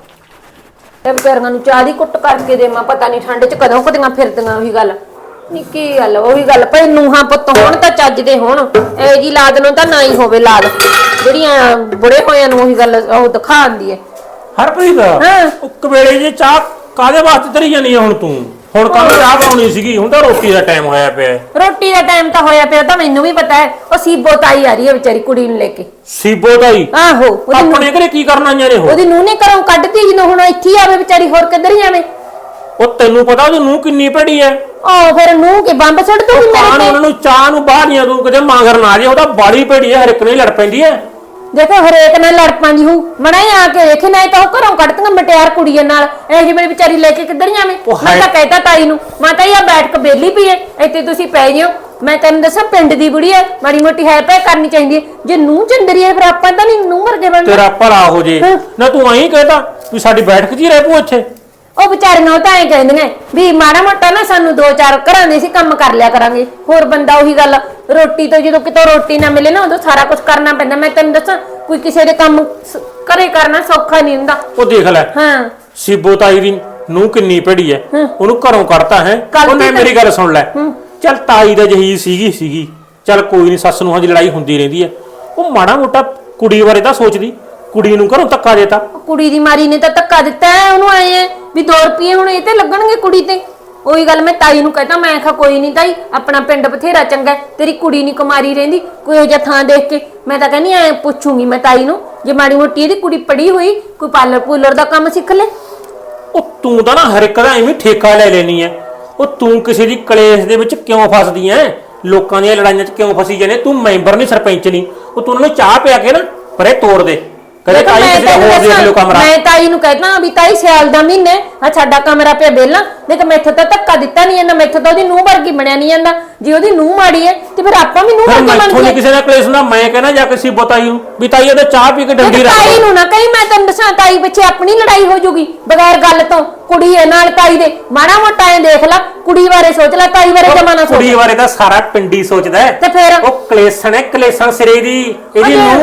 ਤੇ ਵਿਚਾਰੀਆਂ ਨੂੰ ਚਾਹ ਦੀ ਕੁੱਟ ਕਰਕੇ ਦੇਵਾਂ। ਪਤਾ ਨਹੀਂ ਠੰਡ 'ਚ ਕਦੋਂ ਕਦੀਆਂ ਫਿਰਦੀਆਂ ਉਹੀ ਗੱਲ ਨੀ। ਕੀ ਗੱਲ ਉਹੀ ਗੱਲ ਭਾਈ ਨੂੰਹਾਂ ਪੁੱਤ ਹੋਣ ਤਾਂ ਚੱਜਦੇ ਹੋਣ, ਇਹ ਜੀ ਲਾਦ ਨੂੰ ਤਾਂ ਨਾ ਹੀ ਹੋਵੇ ਲਾਦ ਜਿਹੜੀਆਂ ਬੁੜੇ ਹੋਇਆਂ ਨੂੰ ਉਹੀ ਗੱਲ ਉਹ ਦਿਖਾਉਂਦੀ ਹੈ।
ਹਰਪ੍ਰੀਤ ਇੱਕ ਵੇਲੇ ਜੇ ਚਾਹ ਕਾਦੇ ਵਾਸਤੇ ਤਰੀ ਜਾਨੀ ਆ ਹੁਣ ਤੂੰ? ਹੁਣ ਕੰਮ ਚਾਹ ਬਣਾਉਣੀ ਸੀਗੀ, ਹੁਣ ਤਾਂ ਰੋਟੀ ਦਾ ਟਾਈਮ ਹੋਇਆ ਪਿਆ।
ਰੋਟੀ ਦਾ ਟਾਈਮ ਤਾਂ ਹੋਇਆ ਪਿਆ ਤਾਂ ਮੈਨੂੰ ਵੀ ਪਤਾ ਹੈ। ਉਹ ਸੀਬੋ ਤਾਈ ਆ ਰਹੀ ਹੈ ਵਿਚਾਰੀ ਕੁੜੀ ਨੂੰ ਲੈ ਕੇ।
ਸੀਬੋ ਤਾਈ
ਆਹੋ
ਆਪਣੇ ਘਰੇ ਕੀ ਕਰਨ ਆਈਆਂ ਨੇ?
ਉਹਦੀ ਨੂੰਹ ਨੇ ਘਰੋਂ ਕੱਢਤੀ ਜਦੋਂ ਹੁਣ ਇੱਥੇ ਹੀ ਆਵੇ ਵਿਚਾਰੀ, ਹੋਰ ਕਿੱਧਰ ਜਾਵੇ?
ਉਹ ਤੈਨੂੰ ਪਤਾ ਉਹਦੀ ਨੂੰਹ ਕਿੰਨੀ ਭੜੀ ਐ?
ਉਹ ਫਿਰ ਨੂੰਹ ਕੇ ਬੰਬ ਸੁੱਟ ਦੂਗੀ ਮੇਰੇ
ਕਾਨ
ਤੇ।
ਉਹਨਾਂ ਨੂੰ ਚਾਹ ਨੂੰ ਬਾਹਰੀਆਂ ਤੂੰ ਕਿਤੇ ਮਾਂਗਰ ਨਾ ਜੇ, ਉਹਦਾ ਬਾੜੀ ਭੜੀ ਐ, ਹਰ ਇੱਕ ਨੇ ਲੜ ਪੈਂਦੀ ਐ।
ਦੇਖੋ ਹਰੇਕ ਨਾਲ ਲੜ ਪਾਂਦੀ ਹੂੰ ਮੜਾ ਆ ਕੇ ਵੇਖੇ ਨਾ ਤਾਂ ਉਹ ਘਰੋਂ ਕੱਢਤੀਆਂ ਮਟਿਆਰ ਕੁੜੀਆਂ ਨਾਲ। ਇਹ ਜੀ ਮੇਰੀ ਵਿਚਾਰੀ ਲੈ ਕੇ ਕਿੱਧਰ ਜਾਵੇ? ਮੈਂ ਤਾਂ ਕਹਿਤਾ ਤਾਈ ਨੂੰ, ਮੈਂ ਤਾਂ ਇਹ ਬੈਠ ਕੇ ਬੇਲੀ ਪਈ ਐ ਇੱਥੇ ਤੁਸੀਂ ਪੈ ਜਿਓ। ਮੈਂ ਤੈਨੂੰ ਦੱਸਾਂ ਪਿੰਡ ਦੀ ਬੁੜੀ ਐ, ਮਾੜੀ ਮੋਟੀ ਹੈ ਪੈ ਕਰਨੀ ਚਾਹੀਦੀ ਐ। ਜੇ ਨੂੰਹ ਚੰਦਰੀ ਐ ਫਿਰ ਆਪਾਂ ਤਾਂ ਨਹੀਂ ਨੂੰਹ ਵਰਗੇ ਬਣਨਾ।
ਤੇਰਾ ਭਲਾ ਹੋ ਜੇ ਨਾ, ਤੂੰ ਐਂ ਕਹਿਦਾ ਵੀ ਸਾਡੀ ਬੈਠਕ 'ਚ ਹੀ ਰਹਿ ਪੂ ਇੱਥੇ।
ਉਹ ਵਿਚਾਰੀਆਂ ਤਾਂ ਐਂ ਕਹਿੰਦੀਆਂ ਵੀ ਮਾੜਾ ਮੋਟਾ ਨਾ ਸਾਨੂੰ 2-4 ਘਰਾਂ ਦੇ ਸੀ ਕੰਮ ਕਰ ਲਿਆ ਕਰਾਂਗੇ। ਹੋਰ ਬੰਦਾ ਉਹੀ ਗੱਲ ਰੋਟੀ ਤੋਂ ਜਦੋਂ ਕਿਤੋਂ ਰੋਟੀ ਨਾ ਮਿਲੇ ਨਾ ਉਦੋਂ ਸਾਰਾ ਕੁਝ ਕਰਨਾ ਪੈਂਦਾ। ਮੈਂ ਤੈਨੂੰ ਦੱਸਾਂ ਕੋਈ ਕਿਸੇ ਦੇ ਕੰਮ ਘਰੇ ਕਰਨਾ ਸੌਖਾ ਨਹੀਂ ਹੁੰਦਾ।
ਉਹ ਦੇਖ ਲੈ
ਹਾਂ
ਸੀਬੋ ਤਾਈ ਦੀ ਨੂੰਹ ਕਿੰਨੀ ਭੜੀ ਐ, ਉਹਨੂੰ ਘਰੋਂ ਕੱਢਤਾ ਹੈ। ਉਹਨੇ ਮੇਰੀ ਗੱਲ ਸੁਣ ਲੈ, ਚੱਲ ਤਾਈ ਦਾ ਜਹੀ ਸੀਗੀ ਚੱਲ ਕੋਈ ਨਹੀਂ, ਸੱਸ ਨੂੰ ਦੀ ਲੜਾਈ ਹੁੰਦੀ ਰਹਿੰਦੀ ਐ। ਉਹ ਮਾੜਾ ਮੋਟਾ ਕੁੜੀ ਬਾਰੇ ਤਾਂ ਸੋਚਦੀ, ਕੁੜੀ ਨੂੰ ਘਰੋਂ ਧੱਕਾ ਦੇਤਾ।
ਕੁੜੀ ਦੀ ਮਾਰੀ ਨੇ ਤਾਂ ਧੱਕਾ ਦਿੱਤਾ ਉਹਨੂੰ। ਆਏ ਵੀ 2 ਰੁਪਏ ਹੁਣ ਇਹ ਤੇ ਲੱਗਣਗੇ ਕੁੜੀ ਤੇ। ਉਹੀ ਗੱਲ ਮੈਂ ਤਾਈ ਨੂੰ ਕਹਤਾ, ਮੈਂ ਕਿਹਾ ਕੋਈ ਨਹੀਂ ਤਾਈ ਆਪਣਾ ਪਿੰਡ ਬਥੇਰਾ ਚੰਗਾ, ਤੇਰੀ ਕੁੜੀ ਨਹੀਂ ਕੁਮਾਰੀ ਰਹਿੰਦੀ ਕੋਈ ਇਹੋ ਜਿਹਾ ਥਾਂ ਦੇਖ ਕੇ। ਮੈਂ ਤਾਂ ਕਹਿੰਦੀ ਐ ਪੁੱਛੂਗੀ ਮੈਂ ਤਾਈ ਨੂੰ, ਜੇ ਮਾੜੀ ਮੋਟੀ ਇਹਦੀ ਕੁੜੀ ਪੜੀ ਹੋਈ ਕੋਈ ਪਾਰਲਰ ਪੂਲਰ ਦਾ ਕੰਮ ਸਿੱਖ ਲੈ।
ਉਹ ਤੂੰ ਤਾਂ ਨਾ ਹਰ ਇੱਕ ਦਾ ਐਵੇਂ ਠੇਕਾ ਲੈ ਲੈਣੀ ਐ। ਉਹ ਤੂੰ ਕਿਸੇ ਦੀ ਕਲੇਸ਼ ਦੇ ਵਿੱਚ ਕਿਉਂ ਫਸਦੀ ਐ? ਲੋਕਾਂ ਦੀਆਂ ਲੜਾਈਆਂ 'ਚ ਕਿਉਂ ਫਸੀ ਜਾਂਦੇ? ਤੂੰ ਮੈਂਬਰ ਨਹੀਂ ਸਰਪੰਚ ਨਹੀਂ। ਉਹ ਤੂੰ ਉਹਨਾਂ ਨੂੰ ਚਾਹ ਪਿਆ ਕੇ ਨਾ ਪਰੇ ਤੋੜ ਦੇ। ਕਦੇ ਤਾਈ ਕਿਸੇ ਦਾ ਹੋਰ ਦੇਖ ਲਿਓ ਕਮਰਾ।
ਮੈਂ ਤਾਈ ਨੂੰ ਕਹਿਤਾ ਵੀ ਤਾਈ ਸਿਆਲ ਦਾ ਮਹੀਨਾ ਆ ਸਾਡਾ ਕਮਰਾ ਪਿਆ ਵਿਹਲਾ। ਦੇਖ ਮੈਥੋਂ ਤਾਂ ਧੱਕਾ ਦਿੱਤਾ ਨਹੀਂ ਜਾਂਦਾ, ਮੈਥੋਂ ਤਾਂ ਉਹਦੀ ਨੂੰਹ ਵਰਗੀ ਬਣਿਆ ਨਹੀਂ ਜਾਂਦਾ। ਜੇ ਉਹਦੀ ਨੂੰਹ ਮਾੜੀ ਹੈ ਤੇ ਫਿਰ ਆਪਾਂ ਵੀ ਨੂੰਹ ਵਰਗੀ
ਮੈਥੋਂ
ਬਣਦੇ।
ਨਹੀਂ ਕਿਸੇ ਦਾ ਕਲੇਸ਼ ਹੁੰਦਾ। ਮੈਂ ਕਹਿੰਦਾ ਜਾ ਕੇ ਸੀਬੋ ਤਾਈ ਨੂੰ ਵੀ ਤਾਈ ਉਹਦੇ ਚਾਹ ਪੀ ਕੇ ਡੰਡੀ ਰੱਖ।
ਤਾਈ ਨੂੰ ਨਾ ਕਹੀ, ਮੈਂ ਤੈਨੂੰ ਦੱਸਾਂ ਤਾਈ ਪਿੱਛੇ ਆਪਣੀ ਲੜਾਈ ਹੋ ਜੂਗੀ ਬਗੈਰ ਗੱਲ ਤੋਂ। ਕੁੜੀ ਹੈ ਨਾਲ ਤਾਈ ਦੇ, ਮਾੜਾ ਮੋਟਾ ਐ ਦੇਖ ਲੈ, ਕੁੜੀ ਬਾਰੇ ਸੋਚ ਲੈ, ਤਾਈ ਬਾਰੇ ਜਮਾ ਨਾ ਸੋਚ।
ਕੁੜੀ ਬਾਰੇ ਤਾਂ ਸਾਰਾ ਪਿੰਡੀ ਸੋਚਦਾ
ਤੇ ਫਿਰ
ਉਹ ਕਲੇਸ਼ਣ ਹੈ, ਕਲੇਸ਼ਣ ਸਿਰੇ ਦੀ ਇਹਦੀ ਨੂੰਹ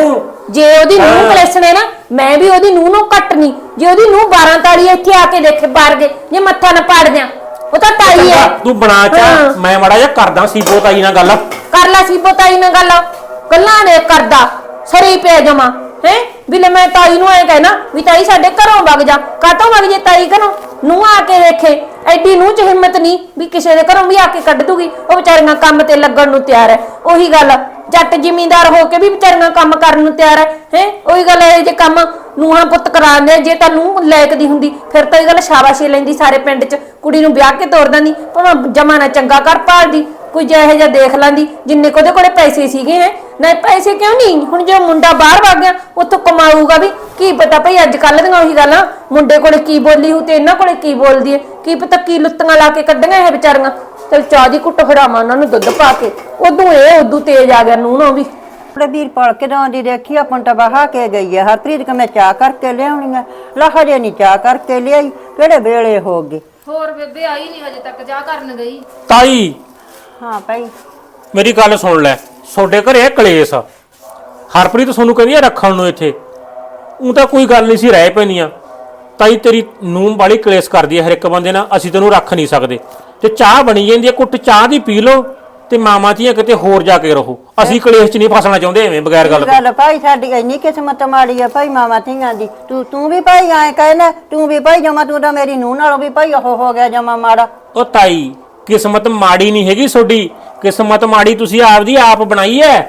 ਜੇ ਉਹਦੀ ਨੂੰਹ ਕਲੇਸਣੇ ਨਾ ਮੈਂ ਵੀ ਉਹਦੀ ਨੂੰਹ ਨੂੰ ਕੱਟ ਨਹੀਂ। ਜੇ ਉਹਦੀ ਨੂੰਹ 12 ਤਾਲੀ ਇੱਥੇ ਆ ਕੇ ਦੇਖੇ ਬਾਹਰ ਗਏ ਜੇ ਮੱਥਾ ਨਾ ਪਾੜ ਦਿਆਂ, ਉਹ ਤਾਂ ਤਾਈ ਹੈ।
ਤੂੰ ਬਣਾ ਚਾ, ਮੈਂ ਮਾੜਾ ਜਿਹਾ ਕਰਦਾ ਸੀਬੋ ਤਾਈ ਨਾਲ ਗੱਲ।
ਕਰ ਲੈ ਸੀਬੋ ਤਾਈ ਨਾਲ ਗੱਲਾਂ ਨੇ ਕਰਦਾ ਸਰੀ ਪਿਆ ਜਮਾ ਹੈ ਵੀ ਲੈ ਮੈਂ ਤਾਈ ਨੂੰ ਐ ਕਹਿਣਾ ਵੀ ਤਾਈ ਸਾਡੇ ਘਰੋਂ ਵਗ ਜਾ। ਕਾਤੋਂ ਵਗ ਜੇ ਤਾਈ ਘਰੋਂ? ਨੂੰ ਆ ਕੇ ਦੇਖੇ ਐਡੀ ਨੂੰ ਚ ਹਿੰਮਤ ਨਹੀਂ ਵੀ ਕਿਸੇ ਦੇ ਘਰੋਂ ਵੀ ਆ ਕੇ ਕੱਢ ਦੂਗੀ। ਉਹ ਵਿਚਾਰੀਆਂ ਕੰਮ ਤੇ ਲੱਗਣ ਨੂੰ ਤਿਆਰ ਹੈ। ਉਹੀ ਗੱਲ ਜੱਟ ਜ਼ਿਮੀਂਦਾਰ ਹੋ ਕੇ ਵੀ ਵਿਚਾਰੀਆਂ ਕੰਮ ਕਰਨ ਨੂੰ ਤਿਆਰ ਹੈ। ਉਹੀ ਗੱਲ ਹੈ ਜੇ ਕੰਮ ਨੂੰਹਾਂ ਪੁੱਤ ਕਰਾਉਂਦੇ ਜੇ ਤਾਂ ਨੂੰਹ ਲਾਇਕ ਦੀ ਹੁੰਦੀ ਫਿਰ ਤਾਂ ਇਹ ਗੱਲ ਸ਼ਾਬਾਸ਼ੀ ਲੈਂਦੀ ਸਾਰੇ ਪਿੰਡ 'ਚ, ਕੁੜੀ ਨੂੰ ਵਿਆਹ ਕੇ ਤੋਰ ਦਿੰਦੀ। ਭਾਵੇਂ ਜਮਾਨਾ ਚੰਗਾ ਕਰ ਭਾਲਦੀ, ਕੋਈ ਜਿਹੋ ਜਿਹਾ ਦੇਖ ਲੈਂਦੀ ਜਿੰਨੇ ਕੋਦੇ ਕੋਲੇ ਪੈਸੇ ਸੀਗੇ ਹੈ। ਨਹੀਂ ਪੈਸੇ ਕਿਉਂ ਨਹੀਂ, ਹੁਣ ਜੇ ਮੁੰਡਾ ਬਾਹਰ ਵਗ ਗਿਆ ਉੱਥੋਂ ਕਮਾਊਗਾ ਵੀ ਕੀ ਪਤਾ ਭਈ ਅੱਜ ਕੱਲ੍ਹ ਦੀਆਂ ਉਹੀ ਗੱਲਾਂ ਮੁੰਡੇ ਕੋਲੇ ਕੀ ਬੋਲੀ ਹੋ ਤੇ ਇਹਨਾਂ ਕੋਲੇ ਕੀ ਬੋਲਦੀ ਹੈ, ਕੀ ਪਤਾ ਕੀ ਲੁੱਤੀਆਂ ਲਾ ਕੇ ਕੱਢੀਆਂ ਇਹ ਵਿਚਾਰੀਆਂ। ਚਲ ਚਾਹ ਦੀ ਕੁੱਟ ਫੜਾਵਾਂ ਉਹਨਾਂ ਨੂੰ ਦੁੱਧ ਪਾ ਕੇ, ਉਦੋਂ ਤੇਜ਼ ਆ ਗਿਆ ਨੂੰਹ ਵੀ।
ਆਪਣੇ ਵੀਰਪਾਲ ਕਿਦੋਂ ਦੀ ਦੇਖੀ ਆਪਾਂ ਤਾਂ ਬਹਾ ਕੇ ਗਈ ਹੈ। ਹਰਪ੍ਰੀਤ ਕਿ ਮੈਂ ਚਾਹ ਕਰਕੇ ਲਿਆਉਣੀ ਆ, ਹਜੇ ਨਹੀਂ ਚਾਹ ਕਰਕੇ ਲਿਆਈ, ਕਿਹੜੇ ਵੇਲੇ ਹੋ ਗਏ।
ਹੋਰ ਬੇਬੇ ਆਈ ਨਹੀਂ ਹਜੇ ਤੱਕ, ਜਾ ਕਰਨ ਗਈ।
ਤਾਈ
ਹਾਂ ਭਾਈ
ਮੇਰੀ ਗੱਲ ਸੁਣ ਲੈ, ਤੁਹਾਡੇ ਘਰੇ ਹੈ ਕਲੇਸ਼। ਹਰਪ੍ਰੀਤ ਤੁਹਾਨੂੰ ਕਹਿੰਦੀ ਆ ਰੱਖਣ ਨੂੰ ਇੱਥੇ, ਉਹ ਤਾਂ ਕੋਈ ਗੱਲ ਨਹੀਂ ਸੀ ਰਹਿ ਪੈਣੀਆਂ। ਤਾਈ ਤੇਰੀ ਨੂੰਹ ਵਾਲੀ ਕਲੇਸ਼ ਕਰਦੀ ਹੈ ਹਰ ਇੱਕ ਬੰਦੇ ਨਾਲ, ਅਸੀਂ ਤੈਨੂੰ ਰੱਖ ਨਹੀਂ ਸਕਦੇ। ਤੇ ਚਾਹ ਬਣੀ ਜਾਂਦੀ ਹੈ, ਕੁੱਟ ਚਾਹ ਦੀ ਪੀ ਲਓ ਤੇ ਮਾਮਾ ਧੀਆਂ ਕਿਤੇ ਹੋਰ ਜਾ ਕੇ ਰਹੋ। ਅਸੀਂ ਕਲੇਸ਼ 'ਚ ਨਹੀਂ ਫਸਣਾ ਚਾਹੁੰਦੇ ਐਵੇਂ ਬਗੈਰ ਗੱਲ ਤੋਂ।
ਗੱਲ ਭਾਈ ਸਾਡੀ ਇੰਨੀ ਕਿਸਮਤ ਮਾੜੀ ਆ ਭਾਈ ਮਾਮਾ ਧੀਆਂ ਦੀ। ਤੂੰ ਵੀ ਭਾਈ ਐਂ ਕਹਿਣਾ, ਤੂੰ ਵੀ ਭਾਈ ਜਮਾ ਤੂੰ ਤਾਂ ਮੇਰੀ ਨੂੰਹ ਨਾਲੋਂ ਵੀ ਭਾਈ ਉਹ ਹੋ ਗਿਆ ਜਮਾ ਮਾੜਾ।
ਉਹ ਤਾਈ ਕਿਸਮਤ ਮਾੜੀ ਨਹੀਂ ਹੈਗੀ ਤੁਹਾਡੀ, ਕਿਸਮਤ ਮਾੜੀ ਤੁਸੀਂ ਆਪਦੀ ਆਪ ਬਣਾਈ ਐ।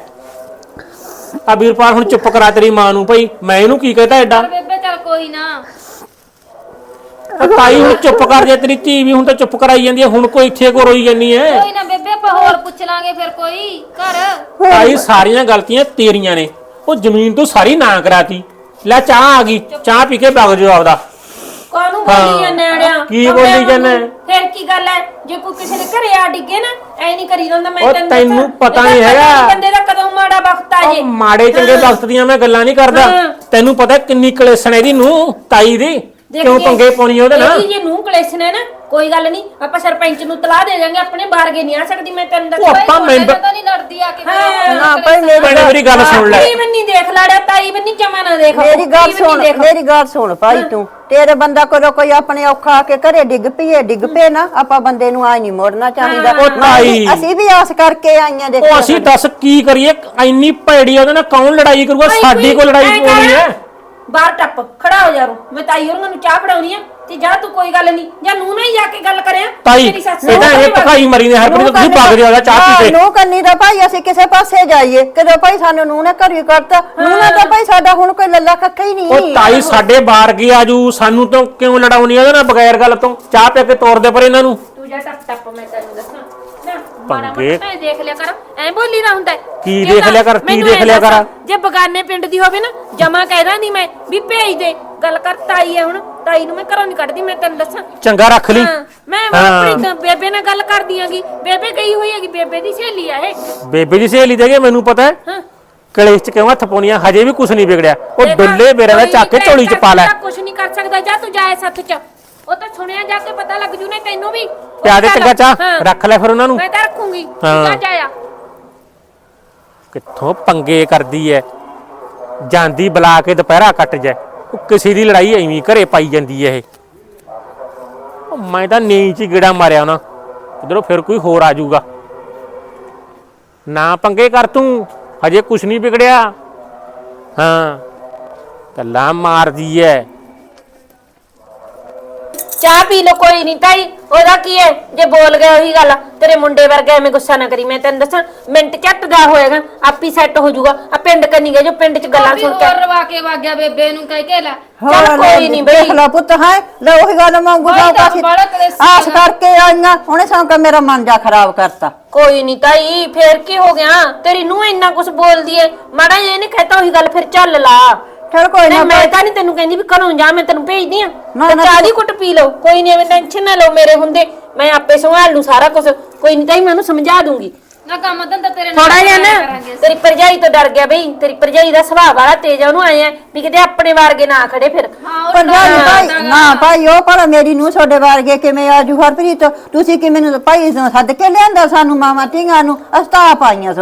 ਆ ਵੀਰਪਾਲ ਹੁਣ ਚੁੱਪ ਕਰਾ ਤੇਰੀ ਮਾਂ ਨੂੰ ਭਾਈ, ਮੈਂ ਇਹਨੂੰ ਕੀ ਕਹਤਾ ਐਡਾ।
ਬੇਬੇ ਚੱਲ ਕੋਈ ਨਾ।
ਉਹ ਤਾਈ ਹੁਣ ਚੁੱਪ ਕਰ ਜਾ, ਤੇਰੀ ਧੀ ਵੀ ਹੁਣ ਤਾਂ ਚੁੱਪ ਕਰਾਈ ਜਾਂਦੀ ਹੈ, ਹੁਣ ਕੋਈ ਇੱਥੇ ਕੋ ਰੋਈ ਜਾਂਦੀ ਐ।
ਕੋਈ ਨਾ ਬੇਬੇ ਆਪਾਂ ਹੋਰ ਪੁੱਛ ਲਾਂਗੇ ਫਿਰ ਕੋਈ ਘਰ।
ਤਾਈ ਸਾਰੀਆਂ ਗਲਤੀਆਂ ਤੇਰੀਆਂ ਨੇ, ਉਹ ਜ਼ਮੀਨ ਤੋਂ ਸਾਰੀ ਨਾ ਕਰਾਤੀ। ਲੈ ਚਾਹ ਆ ਗਈ, ਚਾਹ ਪੀ ਕੇ ਵਗ ਜਾਓ ਆਪਦਾ।
ਕਾਹਨੂੰ ਬੋਲੀ ਜਾਂਦੇ ਆੜਿਆ?
ਕੀ ਬੋਲੀ ਜਾਂਦੇ?
ਫਿਰ ਕੀ ਗੱਲ ਹੈ ਜੇ ਕੋਈ ਕਿਸੇ ਦੇ ਘਰੇ ਆ ਡਿੱਗੇ ਨਾ ਐ ਨਹੀਂ ਕਰੀ ਜਾਂਦਾ। ਮੈਂ
ਉਹ ਤੈਨੂੰ ਪਤਾ ਨਹੀਂ ਹੈਗਾ
ਬੰਦੇ ਦਾ ਕਦੋਂ ਮਾੜਾ ਵਕਤ ਆ ਜੇ।
ਮਾੜੇ ਚੰਗੇ ਵਕਤ ਦੀਆਂ ਮੈਂ ਗੱਲਾਂ ਨਹੀਂ ਕਰਦਾ। ਤੈਨੂੰ ਪਤਾ ਕਿੰਨੀ ਕਲੇਸ਼ਣ ਇਹਦੀ ਨੂੰ ਤਾਈ ਦੀ, ਕਿਉਂ ਪੰਗੇ ਪਾਉਣੀ ਉਹਦੇ ਨਾਲ।
ਜੇ ਨੂੰ ਕਲੇਸ਼ਨ ਹੈ ਨਾ ਕੋਈ ਗੱਲ ਨਹੀਂ, ਆਪਾਂ ਸਰਪੰਚ ਨੂੰ ਤਲਾਹ ਦੇ ਜਾਾਂਗੇ। ਆਪਣੇ ਬਾਰਗੇ ਨਹੀਂ ਆ ਸਕਦੀ ਮੈਂ ਤੈਨੂੰ ਦੱਸਾਂ।
ਆਪਾਂ ਮੈਂਬਰ
ਤਾਂ ਨਹੀਂ ਲੜਦੀ ਆ ਕੇ।
ਨਾ ਭਾਈ
ਮੇਰੀ ਗੱਲ ਸੁਣ ਲੈ।
ਤਾਈ ਬੰਨੀ ਦੇਖ ਲਾੜਿਆ, ਤਾਈ ਬੰਨੀ ਜਮਾ ਨਾ ਦੇਖ।
ਮੇਰੀ ਗੱਲ ਸੁਣ ਭਾਈ ਤੂੰ। ਤੇਰੇ ਬੰਦਾ ਕੋਲੋਂ ਕੋਈ ਆਪਣੇ ਔਖਾ ਆ ਕੇ ਘਰੇ ਡਿੱਗ ਪਏ ਨਾ, ਆਪਾਂ ਬੰਦੇ ਨੂੰ ਆਈ ਨਹੀਂ ਮੋੜਨਾ ਚਾਹੀਦਾ। ਅਸੀਂ ਵੀ ਆਸ ਕਰਕੇ ਆਈਆਂ ਦੇਖੋ।
ਉਹ ਅਸੀਂ ਦੱਸ ਕੀ ਕਰੀਏ, ਇੰਨੀ ਭੈੜੀ ਉਹਦੇ ਨਾਲ ਕੌਣ ਲੜਾਈ ਕਰੂਗਾ? ਸਾਡੀ ਕੋਲ ਲੜਾਈ ਹੋਣੀ ਹੈ।
ਬਾਹਰ ਟੱਪ ਖੜਾ ਹੋ ਜਾ ਰੂ, ਮੈਂ ਤਾਈ ਉਹਨਾਂ ਨੂੰ ਚਾਹ ਫੜਾਉਣੀ ਆ ਤੇ ਜਾ ਤੂੰ ਕੋਈ ਗੱਲ ਨਹੀਂ, ਜਾਂ ਨੂੰ ਨਾ ਹੀ ਜਾ ਕੇ ਗੱਲ ਕਰਿਆ।
ਤਾਈ ਇਹਦਾ ਇਹ ਭਕਾਈ ਮਰੀ ਨੇ ਹਰਪ੍ਰੀਤ, ਤੁਸੀਂ ਭੱਗ ਜਾਓ ਚਾਹ ਪੀ ਕੇ।
ਨੂੰ ਕੰਨੀ ਦਾ ਭਾਈ ਅਸੀਂ ਕਿਸੇ ਪਾਸੇ ਜਾਈਏ, ਕਦੋਂ ਭਾਈ ਸਾਨੂੰ ਨੂੰ ਨੇ ਘਰ ਹੀ ਕਰਤਾ। ਨੂੰ ਨਾ ਤਾਂ ਭਾਈ ਸਾਡਾ ਹੁਣ ਕੋਈ ਲੱਲਾ ਕੱਖਾ ਹੀ ਨਹੀਂ।
ਉਹ ਤਾਈ ਸਾਡੇ ਬਾਹਰ ਗਈ ਆਜੂ, ਸਾਨੂੰ ਤਾਂ ਕਿਉਂ ਲੜਾਉਣੀ ਉਹਦੇ ਨਾਲ ਬਗੈਰ ਗੱਲ ਤੋਂ? ਚਾਹ ਪੀ ਕੇ ਤੋਰ ਦੇ ਪਰ ਇਹਨਾਂ ਨੂੰ।
ਤੂੰ ਜਾ ਟੱਪ ਮੈਂ ਤੈਨੂੰ ਦੱਸਾਂ
ਪੰਗੇ
ਦੇਖ ਲਿਆ ਕਰ, ਐ ਬੋਲੀ ਨਾ ਹੁੰਦਾ।
ਕੀ ਦੇਖ ਲਿਆ ਕਰ, ਕੀ ਦੇਖ ਲਿਆ ਕਰ?
ਜੇ ਬਗਾਨੇ ਪਿੰਡ ਦੀ ਹੋਵੇ ਨਾ ਜਮਾ ਕਹਿਦਾ ਨਹੀਂ ਮੈਂ ਵੀ ਭੇਜ ਦੇ। ਗੱਲ ਕਰ ਤਾਈ ਹੈ, ਹੁਣ ਤਾਈ ਨੂੰ ਮੈਂ ਘਰੋਂ ਨਹੀਂ ਕੱਢਦੀ ਮੈਂ ਤੈਨੂੰ ਦੱਸਾਂ।
ਚੰਗਾ ਰੱਖ ਲਈ।
ਮੈਂ ਆਪਣੀ ਬੇਬੇ ਨਾਲ ਗੱਲ ਕਰਦੀ ਆਂਗੀ, ਬੇਬੇ ਗਈ ਹੋਈ ਹੈਗੀ, ਬੇਬੇ ਦੀ ਸਹੇਲੀ ਆ ਇਹ।
ਬੇਬੇ ਦੀ ਸਹੇਲੀ ਦੇਗੇ ਮੈਨੂੰ ਪਤਾ ਹੈ। ਕਲੇਸ਼ ਚ ਕਿਉਂ ਹੱਥ ਪਾਉਣੀਆਂ, ਹਜੇ ਵੀ ਕੁਝ ਨਹੀਂ ਵਿਗੜਿਆ। ਉਹ ਡੁੱਲੇ ਬੇਰਾਂ ਦਾ ਚੱਕ ਕੇ ਝੋਲੀ ਚ ਪਾ ਲੈ।
ਕੁਝ ਨਹੀਂ ਕਰ ਸਕਦਾ, ਜਾ ਤੂੰ ਜਾਏ ਸੱਥ ਚ। ਉਹ ਤਾਂ ਸੁਣਿਆ ਜਾ ਕੇ ਪਤਾ ਲੱਗ ਜੂ ਨੇ ਤੈਨੂੰ ਵੀ।
ਪਿਆ ਦੇ ਚੰਗਾ ਚਾਹ, ਰੱਖ ਲੈ ਫਿਰ ਉਹਨਾਂ ਨੂੰ।
ਮੈਂ ਤਾਂ ਰੱਖੂੰਗੀ,
ਹਾਂ।
ਜਾ ਜਾਇਆ
ਕਿੱਥੋਂ ਪੰਗੇ ਕਰਦੀ ਐ, ਜਾਂਦੀ ਬੁਲਾ ਕੇ ਦੁਪਹਿਰਾ ਕੱਟ ਜਾ। ਉਹ ਕਿਸੇ ਦੀ ਲੜਾਈ ਐਵੇਂ ਘਰੇ ਪਾਈ ਜਾਂਦੀ ਐ ਇਹ। ਉਹ ਮੈਂ ਤਾਂ ਨੀਂਦ 'ਚ ਗੇੜਾ ਮਾਰਿਆ ਉਹਨਾਂ, ਉਧਰੋਂ ਫਿਰ ਕੋਈ ਹੋਰ ਆ ਜਾਊਗਾ। ਨਾ ਪੰਗੇ ਕਰ ਤੂੰ, ਹਜੇ ਕੁਛ ਨਹੀਂ ਵਿਗੜਿਆ। ਹਾਂ ਗੱਲਾਂ ਮਾਰਦੀ ਐ।
ਚਾਹ ਪੀ ਲੋ ਕੋਈ ਨਹੀਂ ਤਾਈ, ਉਹਦਾ ਕੀ ਹੈ ਜੇ ਬੋਲ ਗਿਆ ਉਹੀ ਗੱਲ। ਤੇਰੇ ਮੁੰਡੇ ਵਰਗਾ ਐਵੇਂ ਗੁੱਸਾ ਨਾ ਕਰੀ, ਮੈਂ ਤੈਨੂੰ ਦੱਸਾਂ ਮਿੰਟ ਝੱਟ ਦਾ ਹੋਏਗਾ, ਆਪੀ ਸੈੱਟ ਹੋ ਜਾਊਗਾ। ਆ ਪਿੰਡ ਕੰਨੀ ਗਏ ਜੋ ਪਿੰਡ ਚ ਗੱਲਾਂ ਸੁਣ ਕੇ
ਰਵਾ ਕੇ ਵਗ ਗਿਆ ਬੇਬੇ ਨੂੰ ਕਹਿ ਕੇ ਲੈ।
ਚੱਲ ਕੋਈ ਨਹੀਂ ਬਈ,
ਦੇਖ ਲਾ ਪੁੱਤ ਹੈ ਲੈ ਉਹੀ ਗੱਲ ਮੰਗੂ ਆਸ ਕਰਕੇ ਆਈਆਂ, ਉਹਨੇ ਸੌਂਕਾ ਮੇਰਾ ਮਨ ਜਾ ਖਰਾਬ ਕਰਤਾ।
ਕੋਈ ਨਹੀਂ ਤਾਈ ਫੇਰ ਕੀ ਹੋ ਗਿਆ? ਤੇਰੀ ਨੂੰ ਇੰਨਾ ਕੁਝ ਬੋਲਦੀ ਏ, ਮਾੜਾ ਜਿਹਾ ਇਹਨੇ ਕਹਿਤਾ ਉਹੀ ਗੱਲ ਫਿਰ ਚੱਲ ਲਾ।
ਚਲ ਕੋਈ ਨਾ,
ਮੈਂ ਤਾਂ ਨਹੀਂ ਤੈਨੂੰ ਕਹਿੰਦੀ ਵੀ ਘਰੋਂ ਜਾ, ਮੈਂ ਤੈਨੂੰ ਭੇਜਦੀ ਆ।
ਨਾ,
ਚਾਹ ਦੀ ਕੁੱਟ ਪੀ ਲਓ, ਕੋਈ ਨਹੀਂ ਐਵੇਂ ਟੈਨਸ਼ਨ ਨਾ ਲਓ ਮੇਰੇ ਹੁੰਦੇ, ਮੈਂ ਆਪੇ ਸੰਭਾਲ ਲੂ ਸਾਰਾ ਕੁਝ। ਕੋਈ ਨਹੀਂ ਤਾਈ ਮੈਂ ਉਹਨੂੰ ਸਮਝਾ ਦੂੰਗੀ।
ਨਾ ਕੰਮ ਧੰਦਾ ਤੇਰੇ ਨਾਲ
ਥੋੜਾ ਜਿਹਾ ਨਾ ਤੇਰੀ ਭਰਜਾਈ ਤੋਂ ਡਰ ਗਿਆ ਬਈ, ਤੇਰੀ ਭਰਜਾਈ ਦਾ ਸੁਭਾਅ ਵਾਲਾ ਤੇਜ਼ ਆ, ਉਹਨੂੰ ਆਏ ਆ ਵੀ ਕਿਤੇ ਆਪਣੇ ਵਾਰਗੇ ਨਾ ਖੜੇ ਫਿਰ।
ਨਾ ਭਾਈ ਉਹ ਪਰ ਮੇਰੀ ਨੂੰ ਤੁਹਾਡੇ ਵਰਗੇ ਕਿਵੇਂ ਆਜੂ ਹਰਪ੍ਰੀਤ? ਤੁਸੀਂ ਕਿ ਮੈਨੂੰ ਭਾਈ ਸੱਦ ਕੇ ਲਿਆਂਦਾ ਸਾਨੂੰ ਮਾਮਾ ਧੀਆਂ ਨੂੰ, ਅਸਤਾ ਪਾਈਆਂ ਤੁਹਾਡੇ।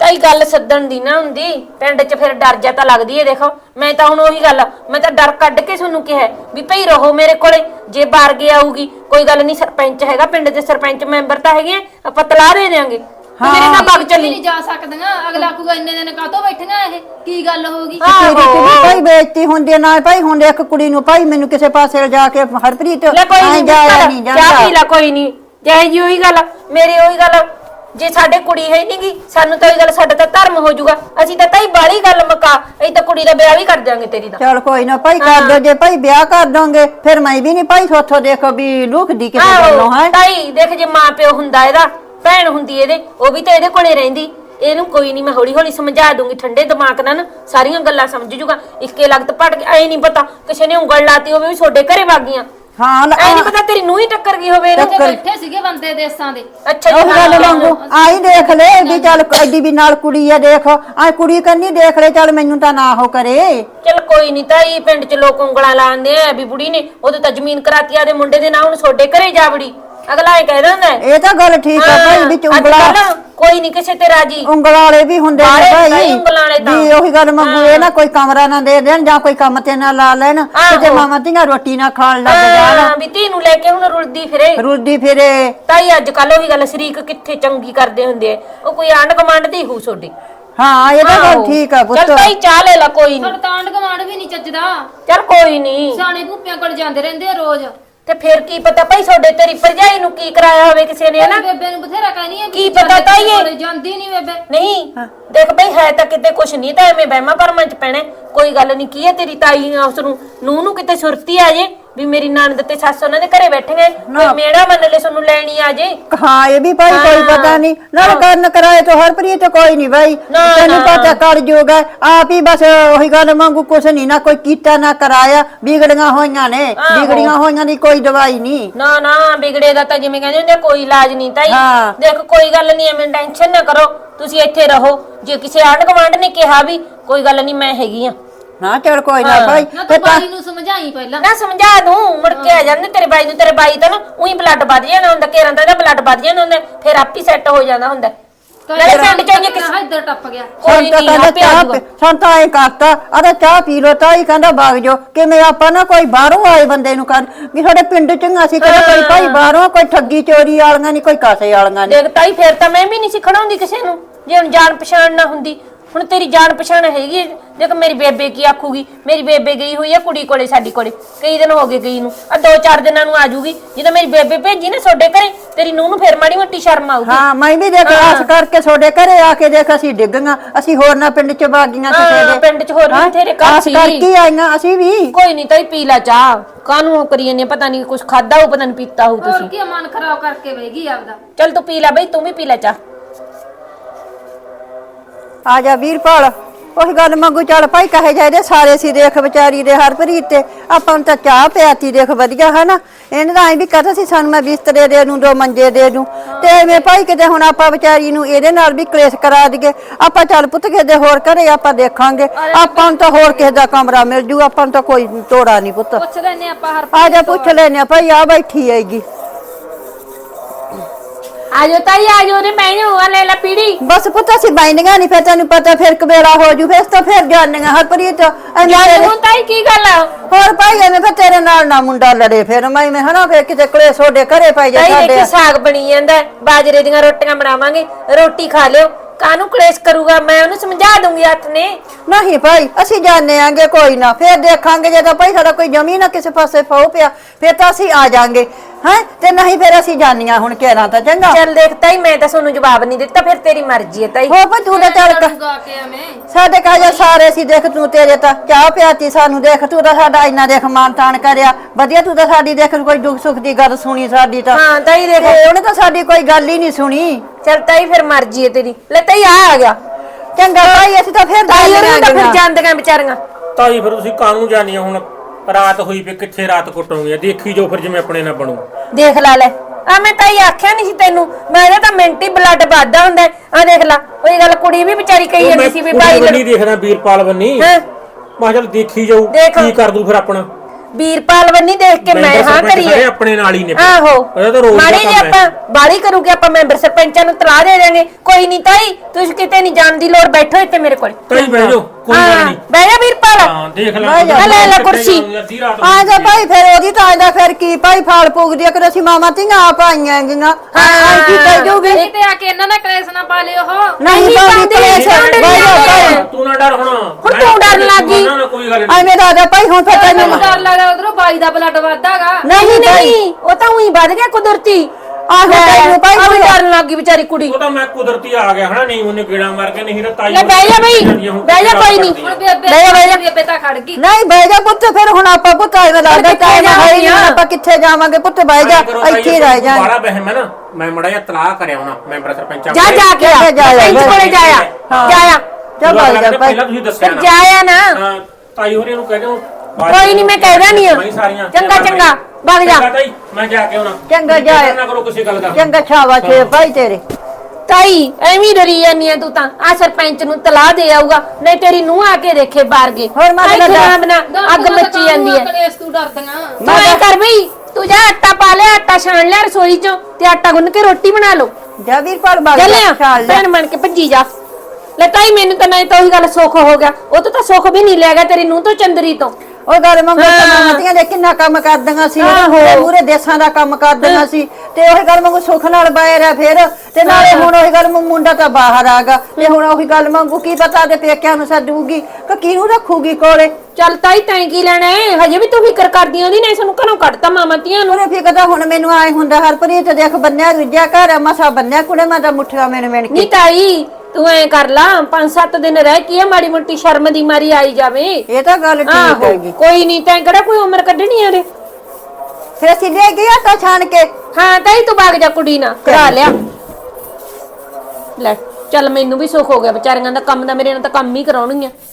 ਤਾਈ ਗੱਲ ਸੱਦਣ ਦੀ ਨਾ ਹੁੰਦੀ ਪਿੰਡ 'ਚ ਫਿਰ ਡਰ ਜਾ ਤਾਂ ਲੱਗਦੀ ਏ। ਦੇਖੋ ਮੈਂ ਤਾਂ ਹੁਣ ਉਹੀ ਗੱਲ ਮੈਂ ਤਾਂ ਡਰ ਕੱਢ ਕੇ ਤੁਹਾਨੂੰ ਕਿਹਾ ਵੀ ਭਈ ਰਹੋ ਮੇਰੇ ਕੋਲੇ, ਜੇ ਬਾਹਰ ਗਿਆ ਆਊਗੀ ਕੋਈ ਗੱਲ ਨਹੀਂ, ਸਰਪੰਚ ਹੈਗਾ ਪਿੰਡ ਦੇ, ਸਰਪੰਚ ਮੈਂਬਰ ਤਾਂ ਹੈਗੇ ਆ, ਆਪਾਂ ਤਲਾ ਦੇ ਦਿਆਂਗੇ। ਮੇਰੇ ਨਾਲ ਬਗ ਚੱਲੀ
ਨਹੀਂ ਜਾ ਸਕਦੀਆਂ, ਅਗਲਾ ਕਹੂਗਾ ਇੰਨੇ ਦਿਨ ਕਾਹਤੋਂ ਬੈਠੀਆਂ ਇਹ, ਕੀ ਗੱਲ ਹੋ ਗਈ?
ਤੇਰੀ ਕਿਵੇਂ ਭਾਈ ਬੇਇੱਜ਼ਤੀ ਹੁੰਦੀ ਨਾ ਭਾਈ। ਹੁਣ ਇੱਕ ਕੁੜੀ ਨੂੰ ਭਾਈ ਮੈਨੂੰ ਕਿਸੇ ਪਾਸੇ ਜਾ ਕੇ ਹਰਪ੍ਰੀਤ
ਲੈ ਕੋਈ
ਐਂ
ਨਹੀਂ
ਜਾਇਆ ਨਹੀਂ
ਚਾਹ
ਜਾਂਦਾ।
ਪੀ ਲੈ ਕੋਈ ਨਹੀਂ, ਜੈ ਜੀ ਉਹੀ ਗੱਲ ਮੇਰੀ ਉਹੀ ਗੱਲ, ਜੇ ਸਾਡੇ ਕੁੜੀ ਹੈ ਨਹੀਂਗੀ ਸਾਨੂੰ ਤਾਂ ਇਹ ਗੱਲ ਸਾਡਾ ਤਾਂ ਧਰਮ ਹੋ ਜਾਊਗਾ, ਅਸੀਂ ਤਾਂ ਤਾਈ ਬਾਲੀ ਗੱਲ ਮੁਕਾ, ਅਸੀਂ ਤਾਂ ਕੁੜੀ ਦਾ ਵਿਆਹ ਵੀ ਕਰ ਦਿਆਂਗੇ ਤੇਰੀ ਦਾ।
ਚਲ ਕੋਈ ਨਾ ਭਾਈ ਕਰ ਦੋ, ਜੇ ਭਾਈ ਵਿਆਹ ਕਰ ਦੋਗੇ ਫਿਰ ਮੈਂ ਵੀ ਨਹੀਂ ਭਾਈ ਸੋਥੋਂ ਦੇਖੋ ਵੀ ਲੁਕਦੀ ਕਿਸੇ ਗੱਲੋਂ ਹੈ।
ਤਾਈ ਦੇਖ ਜੇ ਮਾਂ ਪਿਓ ਹੁੰਦਾ ਇਹਦਾ, ਭੈਣ ਹੁੰਦੀ ਇਹਦੇ, ਉਹ ਵੀ ਤਾਂ ਇਹਦੇ ਕੋਲੇ ਰਹਿੰਦੀ। ਇਹਨੂੰ ਕੋਈ ਨਹੀਂ ਮੈਂ ਹੌਲੀ ਹੌਲੀ ਸਮਝਾ ਦੂੰਗੀ, ਠੰਡੇ ਦਿਮਾਗ ਨਾਲ ਨਾ ਸਾਰੀਆਂ ਗੱਲਾਂ ਸਮਝ ਜੂਗਾ। ਇੱਕੇ ਲਗਤ ਪੜ ਕੇ ਐ ਨਹੀਂ ਪਤਾ ਕਿਸੇ ਨੇ ਉਂਗਲ ਲਾਤੀ ਹੋਵੇ ਵੀ ਛੋਡੇ ਘਰੇ ਵਾਗੀਆਂ,
ਹਾਂ
ਐ ਨਹੀਂ ਪਤਾ ਤੇਰੀ ਨੂੰਹ ਹੀ ਟੱਕਰ ਗਈ ਹੋਵੇ ਇਹਨੂੰ।
ਬੈਠੇ ਸੀਗੇ ਬੰਦੇ ਦੇਸਾਂ ਦੇ।
ਅੱਛਾ ਜੀ,
ਉਹ ਗੱਲ ਵਾਂਗੂ ਆਈ ਦੇਖ ਲੈ ਵੀ ਚੱਲ ਐਡੀ ਵੀ ਨਾਲ ਕੁੜੀ ਆ, ਦੇਖ ਆ ਕੁੜੀ ਕੰਨੀ ਦੇਖ ਲੈ, ਚੱਲ ਮੈਨੂੰ ਤਾਂ ਨਾ ਉਹ ਕਰੇ।
ਚਲ ਕੋਈ ਨਹੀਂ ਤਾਈ, ਪਿੰਡ 'ਚ ਲੋਕ ਉਂਗਲਾਂ ਲਾਉਂਦੇ ਆ ਵੀ ਬੁੜੀ ਨੇ ਉਹਦੇ ਤਾਂ ਜ਼ਮੀਨ ਕਰਾਤੀ ਆਦੇ ਮੁੰਡੇ ਦੇ ਨਾਂ, ਹੁਣ ਛੋਡੇ ਘਰੇ ਜਾ ਵੜੀ, ਅਗਲਾ ਇਹ ਕਹਿ ਦਿੰਦਾ
ਇਹ ਤਾਂ ਗੱਲ ਠੀਕ ਆ ਭਾਈ, ਵਿੱਚ ਉਂਗਲਾ
ਕੋਈ ਨਹੀਂ ਕਿਸੇ ਤੇ ਰਾਜੀ।
ਉਂਗਲ ਵਾਲੇ ਵੀ ਹੁੰਦੇ ਨੇ ਭਾਈ,
ਉਂਗਲਾਂ ਵਾਲੇ ਤਾਂ
ਵੀ ਉਹੀ ਗੱਲ ਮੰਗੂ ਇਹ ਨਾ ਕੋਈ ਕਮਰਾ ਨਾ ਦੇ ਦੇਣ ਜਾਂ ਕੋਈ ਕੰਮ ਤੇ ਨਾ ਲਾ ਲੈਣ, ਕਿਤੇ ਮਾਮਾ ਧੀਆਂ ਰੋਟੀ ਨਾ ਖਾਣ ਲੱਗ ਜਾਣ,
ਹਾਂ ਵੀ ਧੀ ਨੂੰ ਲੈ ਕੇ ਹੁਣ ਰੁਲਦੀ ਫਿਰੇ।
ਰੁੱਦੀ ਫਿਰੇ।
ਤਾਈ ਅੱਜ ਕੱਲ ਉਹੀ ਗੱਲ, ਸ਼ਰੀਕ ਕਿੱਥੇ ਚੰਗੀ ਕਰਦੇ ਹੁੰਦੇ ਆ, ਉਹ ਕੋਈ ਆਂਢ ਗੁਆਂਢ ਦੀ ਹੂ ਛੋਡੀ।
ਹਾਂ ਇਹ ਤਾਂ ਗੱਲ ਠੀਕ ਆ ਪੁੱਤ।
ਚੱਲ ਤਾਈ ਚਾਹ ਲੈ ਲਾ ਕੋਈ ਨਹੀਂ,
ਸਾਡਾ ਤਾਂ ਆਂਢ ਗੁਆਂਢ ਵੀ ਨਹੀਂ ਚੱਜਦਾ,
ਚੱਲ ਕੋਈ ਨਹੀਂ।
ਸਿਆਣੇ ਭੂਪਿਆਂ ਕੋਲ ਜਾਂਦੇ ਰਹਿੰਦੇ ਆ ਰੋਜ਼।
ਤੇ ਫਿਰ ਕੀ ਪਤਾ ਭਾਈ ਛੋਡੇ ਤੇਰੀ ਭਰਜਾਈ ਨੂੰ ਕੀ ਕਰਾਇਆ ਹੋਵੇ ਕਿਸੇ ਨੇ, ਨਾ
ਬੇਬੇ ਨੂੰ ਬਥੇਰਾ ਕਹਿਨੀ ਆ
ਕੀ ਪਤਾ ਤਾਈ ਇਹ
ਜਾਂਦੀ ਨਹੀਂ ਬੇਬੇ।
ਨਹੀਂ ਦੇਖ ਬਈ ਹੈ ਤਾਂ ਕਿਤੇ ਕੁਛ ਨਹੀਂ, ਤਾਂ ਐਵੇਂ ਵਹਿਮਾਂ ਭਰਮਾਂ ਚ ਪੈਣਾ ਕੋਈ ਗੱਲ ਨਹੀਂ। ਕੀ ਹੈ ਤੇਰੀ ਤਾਈ ਉਸ ਨੂੰ ਨੂੰਹ ਨੂੰ ਕਿਤੇ ਸੁਰਤੀ ਆ ਜੇ ਵੀ ਮੇਰੀ ਨਣਦ ਤੇ ਸੱਸ ਉਹਨਾਂ ਦੇ ਘਰੇ ਬੈਠੇ ਨੇ, ਕੋਈ ਮੇੜਾ ਮੰਨ ਲੈ ਸਾਨੂੰ ਲੈਣੀ ਆ ਜੇ।
ਹਾਂ ਇਹ ਵੀ ਭਾਈ ਕੋਈ ਪਤਾ ਨਹੀਂ, ਨਾਲ ਕਰਨ ਕਰਾਏ ਤੋਂ ਹਰਪ੍ਰੀਤ ਕੋਈ ਨਹੀਂ ਭਾਈ, ਤੈਨੂੰ ਪਤਾ ਕਰ ਜੋਗਾ ਆਪ ਹੀ ਬਸ ਉਹੀ ਗੱਲ ਮੰਗੂ, ਕੁਛ ਨਹੀਂ ਨਾ ਕੋਈ ਕੀਤਾ ਨਾ ਕਰਾਇਆ, ਵਿਗੜੀਆਂ ਹੋਈਆਂ ਨੇ, ਵਿਗੜੀਆਂ ਹੋਈਆਂ ਦੀ ਕੋਈ ਦਵਾਈ ਨਹੀਂ।
ਨਾ ਨਾ ਵਿਗੜੇ ਦਾ ਤਾਂ ਜਿਵੇਂ ਕਹਿੰਦੇ ਹੁੰਦੇ ਕੋਈ ਇਲਾਜ ਨਹੀਂ ਤਾਈ।
ਹਾਂ।
ਦੇਖ ਕੋਈ ਗੱਲ ਨਹੀਂ, ਐਵੇਂ ਟੈਨਸ਼ਨ ਨਾ ਕਰੋ, ਤੁਸੀਂ ਇੱਥੇ ਰਹੋ, ਜੇ ਕਿਸੇ ਆਂਢ ਗੁਆਂਢ ਨੇ ਕਿਹਾ ਵੀ ਕੋਈ ਗੱਲ ਨਹੀਂ ਮੈਂ ਹੈਗੀ ਆ।
ਨਾ ਚਲ ਕੋਈ ਨਾ ਭਾਈ,
ਨਾ ਤੂੰ ਬਾਈ ਨੂੰ ਸਮਝਾਈ ਪਹਿਲਾਂ।
ਨਾ ਸਮਝਾ ਦੂੰ, ਮੁੜ ਕੇ ਆ ਜਾਂਦੇ ਤੇਰੇ ਬਾਈ ਨੂੰ, ਤੇਰੇ ਬਾਈ ਤਾਂ ਨਾ ਉਹੀ ਬਲੱਡ ਵੱਧ ਜਾਣਾ ਹੁੰਦਾ, ਕੇਰਾਂ ਦਾ ਬਲੱਡ ਵੱਧ ਜਾਣਾ ਹੁੰਦਾ, ਫਿਰ ਆਪੀ ਸੈੱਟ ਹੋ ਜਾਂਦਾ ਹੁੰਦਾ। ਨਾਲੇ ਪਿੰਡ ਚੋਂ ਜੇ ਕਿਸੇ
ਇੱਧਰ ਟੱਪ ਗਿਆ
ਕੋਈ ਨਹੀਂ ਆਪੇ ਆ ਜਾਊਗਾ।
ਸੰਤਾ ਐ ਕਰਤਾ ਅਰੇ ਚਾਹ ਪੀ ਲੋ, ਤਾਂ ਹੀ ਕਹਿੰਦਾ ਬਾਗ ਜੋ ਕਿਵੇਂ ਆਪਾਂ ਨਾ ਕੋਈ ਬਾਹਰੋਂ ਆਏ ਬੰਦੇ ਨੂੰ ਕਰ ਵੀ ਸਾਡੇ ਪਿੰਡ ਚ ਅਸੀਂ ਕਿਹੜਾ ਕੋਈ ਭਾਈ ਬਾਹਰੋਂ ਕੋਈ ਠੱਗੀ ਚੋਰੀ ਵਾਲੀਆਂ ਨਹੀਂ, ਕੋਈ ਕਾਸੇ ਵਾਲੀਆਂ ਨਹੀਂ।
ਦੇਖ ਤਾਈ ਫਿਰ ਤਾਂ ਮੈਂ ਵੀ ਨਹੀਂ ਸਿਖਣਾਉਂਦੀ ਕਿਸੇ ਨੂੰ, ਜੇ ਹੁਣ ਜਾਣ ਪਛਾਣ ਨਾ ਹੁੰਦੀ। ਹੁਣ ਤੇਰੀ ਜਾਣ ਪਛਾਣ ਹੈਗੀ ਹੈ, ਦੇਖ ਮੇਰੀ ਬੇਬੇ ਕੀ ਆਖੂਗੀ, ਮੇਰੀ ਬੇਬੇ ਗਈ ਹੋਈ ਆ ਕੁੜੀ ਕੋਲੇ, ਸਾਡੀ ਕੋਲੇ ਕਈ ਦਿਨ ਹੋ ਗਏ ਗਈ ਨੂੰ, ਆ 2-4 ਦਿਨਾਂ ਨੂੰ ਆ ਜੂਗੀ। ਜਦੋਂ ਮੇਰੀ ਬੇਬੇ ਭੇਜੀ ਨਾ ਤੁਹਾਡੇ ਘਰੇ, ਤੇਰੀ ਨੂੰਹ ਨੂੰ ਫਿਰ ਮਾੜੀ ਮੋਟੀ ਸ਼ਰਮ ਆਊਗੀ।
ਹਾਂ ਮੈਂ ਵੀ ਦੇਖ ਆਸ ਕਰਕੇ ਤੁਹਾਡੇ ਘਰੇ ਆ ਕੇ ਦੇਖ ਅਸੀਂ ਡਿੱਗੀਆਂ, ਅਸੀਂ ਹੋਰ ਨਾ ਪਿੰਡ ਚ ਬਾਗੀਆਂ ਕਿਸੇ ਦੇ
ਪਿੰਡ ਚ ਹੋਰ ਵੀ ਤੇਰੇ ਘਰ
ਆਸ
ਸੀ।
ਕਰਕੇ ਆਈਆਂ ਅਸੀਂ ਵੀ।
ਕੋਈ ਨਹੀਂ ਤਾਈ ਪੀ ਲਾ ਚਾਹ, ਕਾਹਨੂੰ ਉਹ ਕਰੀ ਜਾਂਦੇ, ਪਤਾ ਨਹੀਂ ਕੁਛ ਖਾਦਾ ਹੋ ਪਤਾ ਨਹੀਂ ਪੀਤਾ ਹੋ
ਹੋਰ
ਤੁਸੀਂ।
ਕੀ ਮਨ ਖਰਾਬ ਕਰਕੇ ਬੈਗੀ ਆਪਦਾ।
ਚੱਲ ਤੂੰ ਪੀ ਲੈ ਬਈ, ਤੂੰ ਵੀ ਪੀ ਲੈ ਚਾਹ।
ਆ ਜਾ ਵੀਰਪਾਲ, ਉਹੀ ਗੱਲ ਮੰਗੂ ਚੱਲ ਭਾਈ ਕਹੇ ਜਾਇਦੇ ਸਾਰੇ ਸੀ ਦੇਖ ਵਿਚਾਰੀ ਦੇ ਹਰਪ੍ਰੀਤ ਤੇ ਆਪਾਂ ਨੂੰ ਤਾਂ ਚਾਹ ਪਿਆਤੀ ਦੇਖ ਵਧੀਆ ਹੈ ਨਾ, ਇਹਨੇ ਤਾਂ ਐਂ ਵੀ ਕਹਤਾ ਸੀ ਸਾਨੂੰ ਮੈਂ ਬਿਸਤਰੇ ਦੇ ਦੂੰ, 2 ਮੰਜੇ ਦੇ ਦੂੰ, ਤੇ ਐਵੇਂ ਭਾਈ ਕਿਤੇ ਹੁਣ ਆਪਾਂ ਵਿਚਾਰੀ ਨੂੰ ਇਹਦੇ ਨਾਲ ਵੀ ਕਲੇਸ਼ ਕਰਾ ਦਈਏ। ਆਪਾਂ ਚੱਲ ਪੁੱਤ ਕਿਸੇ ਦੇ ਹੋਰ ਘਰੇ ਆਪਾਂ ਦੇਖਾਂਗੇ, ਆਪਾਂ ਨੂੰ ਤਾਂ ਹੋਰ ਕਿਸੇ ਦਾ ਕਮਰਾ ਮਿਲ ਜੂ, ਆਪਾਂ ਨੂੰ ਤਾਂ ਕੋਈ ਤੋੜਾ ਨਹੀਂ ਪੁੱਤ।
ਪੁੱਛ ਲੈਨੇ ਆਪਾਂ ਹਰ
ਆ ਜਾ ਪੁੱਛ ਲੈਨੇ ਆ ਭਾਈ, ਆ ਬੈਠੀ ਹੈਗੀ।
ਆਜੋ ਤਾਈ ਆਜੋ, ਨੇ ਮੈਂ ਹੋਆ ਲੈ ਲੈ ਪੀੜੀ।
ਬਸ ਪੁੱਤ ਅਸੀਂ ਬੈਂਦੀਆਂ ਨਹੀਂ, ਫਿਰ ਤੈਨੂੰ ਪਤਾ ਫਿਰ ਕਬੇਲਾ ਹੋ ਜੂ, ਫਿਰ ਤਾਂ ਫਿਰ ਜਾਣੀਆਂ ਹਰਪ੍ਰੀਤ
ਹੁਣ ਤਾਈ ਕੀ ਗੱਲ ਆ?
ਹੋਰ ਭਾਈ ਐਵੇਂ ਫਿਰ ਤੇਰੇ ਨਾਲ ਨਾ ਮੁੰਡਾ ਲੜੇ, ਫਿਰ ਮੈਂ ਹਨਾ ਫਿਰ ਕਿਤੇ ਕਲੇਸ਼ ਤੁਹਾਡੇ ਘਰੇ ਪੈ ਜਾ
ਤਾਈ
ਸਾਡੇ।
ਦੇਖੀ ਸਾਗ ਬਣੀ ਜਾਂਦਾ, ਬਾਜਰੇ ਦੀਆਂ ਰੋਟੀਆਂ ਬਣਾਵਾਂਗੇ, ਰੋਟੀ ਖਾ ਲਿਓ, ਕਾਹਨੂੰ ਕਲੇਸ਼ ਕਰੂਗਾ, ਮੈਂ ਉਹਨੂੰ ਸਮਝਾ ਦੂੰਗੀ ਹੱਥ ਨੇ।
ਨਹੀਂ ਭਾਈ ਅਸੀਂ ਜਾਣੇ ਆਂਗੇ, ਕੋਈ ਨਾ ਫਿਰ ਦੇਖਾਂਗੇ, ਜੇ ਤਾਂ ਭਾਈ ਸਾਡਾ ਕੋਈ ਜ਼ਮੀਨ ਨਾ ਕਿਸੇ ਪਾਸੇ ਫਾਉ ਪਿਆ ਫਿਰ ਤਾਂ ਅਸੀਂ ਆ ਜਾਾਂਗੇ ਹੈ, ਤੇ ਨਹੀਂ ਫਿਰ ਅਸੀਂ ਜਾਣੀਆਂ ਹੁਣ ਕਹਿਣਾ ਤਾਂ ਚੰਗਾ।
ਚੱਲ ਦੇਖ ਤਾਈ ਮੈਂ ਤਾਂ ਤੁਹਾਨੂੰ ਜਵਾਬ ਨਹੀਂ ਦਿੱਤਾ, ਫਿਰ ਤੇਰੀ ਮਰਜ਼ੀ ਹੈ ਤਾਈ।
ਹੋ ਭਾਈ ਤੂੰ ਤਾਂ ਚੱਲ
ਗਾ ਕੇ ਐਵੇਂ
ਸਾਡੇ ਕਾ ਜਾ ਸਾਰੇ ਸੀ ਦੇਖ, ਤੂੰ ਤੇਰੇ ਤਾਂ ਚਾਹ ਪਿਆਤੀ ਸਾਨੂੰ, ਦੇਖ ਤੂੰ ਤਾਂ ਸਾਡਾ ਇੰਨਾ ਦੇਖ ਮਾਨ ਤਾਨ ਕਰਿਆ ਵਧੀਆ, ਤੂੰ ਤਾਂ ਸਾਡੀ ਦੇਖ ਕੋਈ ਦੁੱਖ ਸੁੱਖ ਦੀ ਗੱਲ ਸੁਣੀ ਸਾਡੀ ਤਾਂ।
ਹਾਂ ਤਾਈ ਦੇਖ,
ਤੇ ਉਹਨੇ ਤਾਂ ਸਾਡੀ ਕੋਈ ਗੱਲ ਹੀ ਨਹੀਂ ਸੁਣੀ।
ਚੱਲ ਤਾਈ ਫਿਰ ਮਰਜ਼ੀ ਹੈ ਤੇਰੀ। ਲੈ ਤਾਈ ਆ ਗਿਆ
ਚੰਗਾ ਭਾਈ, ਅਸੀਂ ਤਾਂ ਫਿਰ
ਤਾਈ ਉਹਨਾਂ ਤਾਂ ਫਿਰ ਜਾਂਦੀਆਂ ਵਿਚਾਰੀਆਂ।
ਤਾਈ ਫਿਰ ਤੁਸੀਂ ਕਾਹਨੂੰ ਜਾਣੀਆਂ, ਹੁਣ ਰਾਤ ਹੋਈ ਪਈ, ਕਿੱਥੇ ਰਾਤ ਕੁੱਟੋਗੇ, ਦੇਖੀ ਜੋ ਫਿਰ ਜਿਵੇਂ ਆਪਣੇ ਨਾਲ ਬਣੂ।
ਦੇਖ ਲਾ ਲੈ, ਆ ਮੈਂ ਤਾਈ ਆਖਿਆ ਨਹੀਂ ਸੀ ਤੈਨੂੰ, ਮੈਂ ਇਹਦਾ ਤਾਂ ਮਿੰਟ ਹੀ ਬਲੱਡ ਵੱਧਦਾ ਹੁੰਦਾ। ਆ ਦੇਖ ਲਾ ਉਹੀ ਗੱਲ, ਕੁੜੀ ਵੀ ਵਿਚਾਰੀ ਕਹੀ ਜਾਂਦੀ ਸੀ ਵੀ ਭਾਈ
ਨਹੀਂ ਦੇਖਣਾ ਵੀਰਪਾਲ ਬੰਨੀ,
ਹੈਂ?
ਮੈਂ ਚੱਲ ਦੇਖੀ ਜਾਊ
ਦੇਖ।
ਕੀ ਕਰ ਦੂ ਫਿਰ ਆਪਣਾ।
ਵੀਰਪਾਲ ਬੰਨੀ ਦੇਖ ਕੇ ਮੈਂ ਹਾਂ
ਸਰਪੰਚ ਸਾਰੇ
ਕਰੀਏ
ਆਪਣੇ ਨਾਲ ਹੀ ਨੇ
ਆਹੋ
ਉਹਦਾ ਤਾਂ ਰੋਜ਼ ਦਾ
ਮਾੜੀ ਜੀ
ਕੰਮ ਹੈ।
ਆਪਾਂ ਬਾਲੀ ਕਰੂਗੇ ਆਪਾਂ ਮੈਂਬਰ ਸਰਪੰਚਾਂ ਨੂੰ ਤਲਾ ਦੇ ਦੇਾਂਗੇ ਕੋਈ ਨਹੀਂ ਤਾਈ ਤੁਸੀਂ ਕਿਤੇ ਨਹੀਂ ਜਾਣ ਦੀ ਲੋੜ ਬੈਠੋ ਇੱਥੇ ਮੇਰੇ ਕੋਲ
ਤਾਈ ਬਹਿ ਜਾਓ ਕੋਈ ਗੱਲ ਨਹੀਂ
ਬਹਿ ਜਾ ਵੀਰਪਾਲ
ਹਾਂ ਦੇਖ
ਬਹਿ ਜਾ,
ਲੈ ਲੈ ਕੁਰਸੀ।
ਆ ਜਾ ਭਾਈ ਫਿਰ ਉਹਦੀ ਤਾਂ ਆਂਦਾ ਫਿਰ ਕੀ ਭਾਈ ਫਾਲ ਪੂਗਦੀ ਆ ਕਿ ਅਸੀਂ ਮਾਮਾ ਧੀਆਂ ਆਪ ਆਈਆਂ ਗੀਆਂ ਹਾਂ ਕੀ ਕਹਿ ਜੂਗੀ
ਤੇ ਆ ਕੇ ਇਹਨਾਂ ਨਾਲ ਕਲੇਸ਼ ਨਾ ਪਾ ਲਿਓ ਉਹ
ਨਹੀਂ ਪਾਉਂਦੀ ਕਲੇਸ਼ ਬਹਿ ਜਾ ਭਾਈ
ਤੂੰ ਨਾ ਡਰ ਹੁਣ
ਹੁਣ ਤੂੰ ਡਰਨ ਲੱਗ ਗਈ।
ਨਾ ਕੋਈ ਗੱਲ ਨਹੀਂ
ਐਵੇਂ ਦਾ ਭਾਈ ਹੁਣ ਫਿਰ ਤੈਨੂੰ
ਮੈਨੂੰ ਡਰ ਲੱਗਦਾ ਉਧਰੋਂ ਬਾਈ ਦਾ ਬਲੱਡ ਵੱਧਦਾਗਾ
ਨਹੀਂ ਨਹੀਂ ਉਹ ਤਾਂ ਉਹੀ ਵੱਧ ਗਿਆ ਕੁਦਰਤੀ
ਆਹੋ ਤੈਨੂੰ ਭਾਈ
ਉਹ ਵੀ ਡਰਨ ਲੱਗ ਗਈ ਵਿਚਾਰੀ ਕੁੜੀ
ਉਹ ਤਾਂ ਮੈਂ ਕੁਦਰਤੀ ਆ ਗਿਆ ਹਨਾ ਨਹੀਂ ਉਹਨੇ ਗੇੜਾ ਮਾਰ ਕੇ ਨਹੀਂ ਤਾਂ ਤਾਈ
ਲੈ ਬਹਿ ਜਾ ਬਈ ਬਹਿ ਜਾ ਕੋਈ ਨਹੀਂ
ਹੁਣ ਬੇਬੇ ਤਾਂ ਖੜ ਗਈ
ਨਹੀਂ ਬਹਿ ਜਾ ਪੁੱਤ ਫਿਰ ਹੁਣ ਆਪਾਂ ਪੁੱਤ ਐਵੇਂ ਲੱਗਦਾ
ਕਿੱਥੇ
ਟਾਈਮ ਹੈ ਹੀ ਨਹੀਂ
ਜਾਵਾਂਗੇ?
ਆਪਾਂ ਕਿੱਥੇ ਜਾਵਾਂਗੇ ਪੁੱਤ ਬਹਿ ਜਾ ਇੱਥੇ ਹੀ ਰਹਿ ਜਾ
ਬੜਾ ਬਹਿਮ ਹੈ ਨਾ ਮੈਂ ਮੜਾ ਜਿਹਾ ਤਲਾਕ ਕਰਿਆ ਹੁਣ ਮੈਂਬਰ ਸਰਪੰਚਾਂ
ਜਾ ਜਾ ਕੇ ਆ
ਜਾ, ਜਾ,
ਸਰਪੰਚ ਕੋਲੇ ਜਾਇਆ
ਹਾਂ।
ਜਾਇਆ
ਜਾ ਭਾਈ ਜਾ ਭਾਈ
ਪਹਿਲਾਂ ਤੁਸੀਂ ਦੱਸਿਆ ਨਾ
ਜਾਇਆ ਨਾ
ਹਾਂ, ਤਾਈ ਹੋਰੀ ਨੂੰ ਕਹਿ ਦਿਓ
ਕੋਈ ਨਹੀਂ ਮੈਂ ਕਹਿ ਦੇਣੀ ਆ
ਮੈਂ ਸਾਰੀਆਂ
ਚੰਗਾ ਚੰਗਾ ਵਗ ਜਾ
ਚੰਗਾ ਤਾਈ ਮੈਂ ਜਾ ਕੇ ਆਉਣਾ
ਚੰਗਾ ਜਾ
ਨਾ ਕਰੋ ਕਿਸੇ ਗੱਲ ਦਾ
ਚੰਗਾ ਛਾਵਾ ਛੇ ਭਾਈ ਤੇਰੇ
ਤਾਈ ਐਵੇਂ ਡਰੀ ਜਾਂਦੀ ਆ ਤੂੰ ਤਾਂ ਆ ਸਰਪੰਚ ਨੂੰ ਤਲਾ ਦੇ ਆਊਗਾ ਨਹੀਂ ਤੇਰੀ ਨੂੰਹ ਆ ਕੇ ਦੇਖੇ ਬਾਹਰ ਗਏ
ਹੋਰ ਮੈਂ
ਇੱਥੇ
ਤਾਂ
ਨਾ ਅੱਗ ਮੱਚੀ ਜਾਂਦੀ ਹੈ
ਕਲੇਸ਼ ਤੂੰ ਡਰਦੀਆਂ
ਤੂੰ ਐ ਕਰ ਬਈ ਤੂੰ ਜਾ ਆਟਾ ਪਾ ਲਿਆ ਆਟਾ ਛਾਣ ਲਿਆ ਰਸੋਈ ਚੋਂ ਤੇ ਆਟਾ ਗੁੰਨ ਕੇ ਰੋਟੀ ਬਣਾ ਲਓ
ਜਾ ਵੀਰਪਾਲ ਬਾਗ
ਚੱਲਿਆ
ਛਾਲ ਲੈ
ਭੈਣ ਬਣ ਕੇ ਭੱਜੀ ਜਾ ਲੈ ਤਾਈ ਮੈਨੂੰ ਤਾਂ ਨਹੀਂ ਤਾਂ ਉਹੀ ਗੱਲ ਸੁੱਖ ਹੋ ਗਿਆ ਉਹ ਤੋਂ ਤਾਂ ਸੁੱਖ ਵੀ ਨਹੀਂ ਲਿਆ ਗਿਆ ਤੇਰੀ ਨੂੰਹ ਤੋਂ ਚੰਦਰੀ ਤੋਂ
ਉਹ ਗੱਲ ਮੰਗੋ
ਹਾਂ।
ਮਾਮਤੀਆਂ ਦੇ ਕਿੰਨਾ ਕੰਮ ਕਰਦੀਆਂ ਸੀ
ਆਹੋ।
ਪੂਰੇ ਦੇਸ਼ਾਂ ਦਾ ਕੰਮ ਕਰਦੀਆਂ ਸੀ ਤੇ ਉਹੀ ਗੱਲ ਮੰਗੋ ਸੁੱਖ ਨਾਲ ਬਾਇਰ ਆ ਫਿਰ ਤੇ ਨਾਲੇ ਹੁਣ ਉਹੀ ਗੱਲ ਮੁੰਡਾ ਤਾਂ ਬਾਹਰ ਆਗਾ ਤੇ ਹੁਣ ਉਹੀ ਗੱਲ ਮੰਗੂ ਕੀ ਪਤਾ ਦੇ ਪੇਕਿਆਂ ਨੂੰ ਸੱਦੂਗੀ ਕਿ ਕਿਹਨੂੰ ਰੱਖੂਗੀ ਕੋਲੇ
ਚੱਲ ਤਾਈ ਤੈਂ ਕੀ ਲੈਣਾ ਹੈ ਹਜੇ ਵੀ ਤੂੰ ਫਿਕਰ ਕਰਦੀ ਉਹਦੀ ਨਹੀਂ ਸਾਨੂੰ ਘਰੋਂ ਕੱਢਤਾ ਮਾਮਾ ਧੀਆਂ ਨੂੰ
ਉਹਨੇ ਫਿਕਰ ਤਾਂ ਹੁਣ ਮੈਨੂੰ ਆਏ ਹੁੰਦਾ ਹਰਪ੍ਰੀਤ ਦੇਖ ਬੰਨਿਆ ਰੁੱਜਿਆ ਘਰ ਮਸਾ ਬੰਨਿਆ ਕੁੜੇ ਮੈਂ ਤਾਂ ਮੁੱਠੀਆਂ ਮਿਣ ਕੇ
ਨਹੀਂ ਤਾਈ ਤੂੰ ਐ ਕਰ ਲਾ 5-7 ਦਿਨ ਰਹਿ ਕੀ ਆ ਮਾੜੀ ਮੋਟੀ ਸ਼ਰਮ ਦੀ ਮਾਰੀ ਆਈ ਜਾਵੇ
ਇਹ ਤਾਂ ਗੱਲ ਠੀਕ
ਆਹੋ
ਹੈਗੀ
ਕੋਈ ਨਹੀਂ ਤੈਂ ਕਿਹੜਾ ਕੋਈ ਉਮਰ ਕੱਢਣੀ ਆ ਰੇ
ਫਿਰ ਅਸੀਂ ਲੈ ਗਿਆ ਤਾਂ ਛਾਣ ਕੇ
ਹਾਂ ਤਾਈ ਤੂੰ ਭਾਗ ਜਾ ਕੁੜੀ ਨਾ ਕਰਾ ਲਿਆ ਲੈ ਚੱਲ ਮੈਨੂੰ ਵੀ ਸੁੱਖ ਹੋ ਗਿਆ ਵਿਚਾਰੀਆਂ ਦਾ ਕੰਮ ਦਾ ਮੇਰੇ ਨਾਲ ਤਾਂ ਕੰਮ ਹੀ ਕਰਾਉਣਗੀਆਂ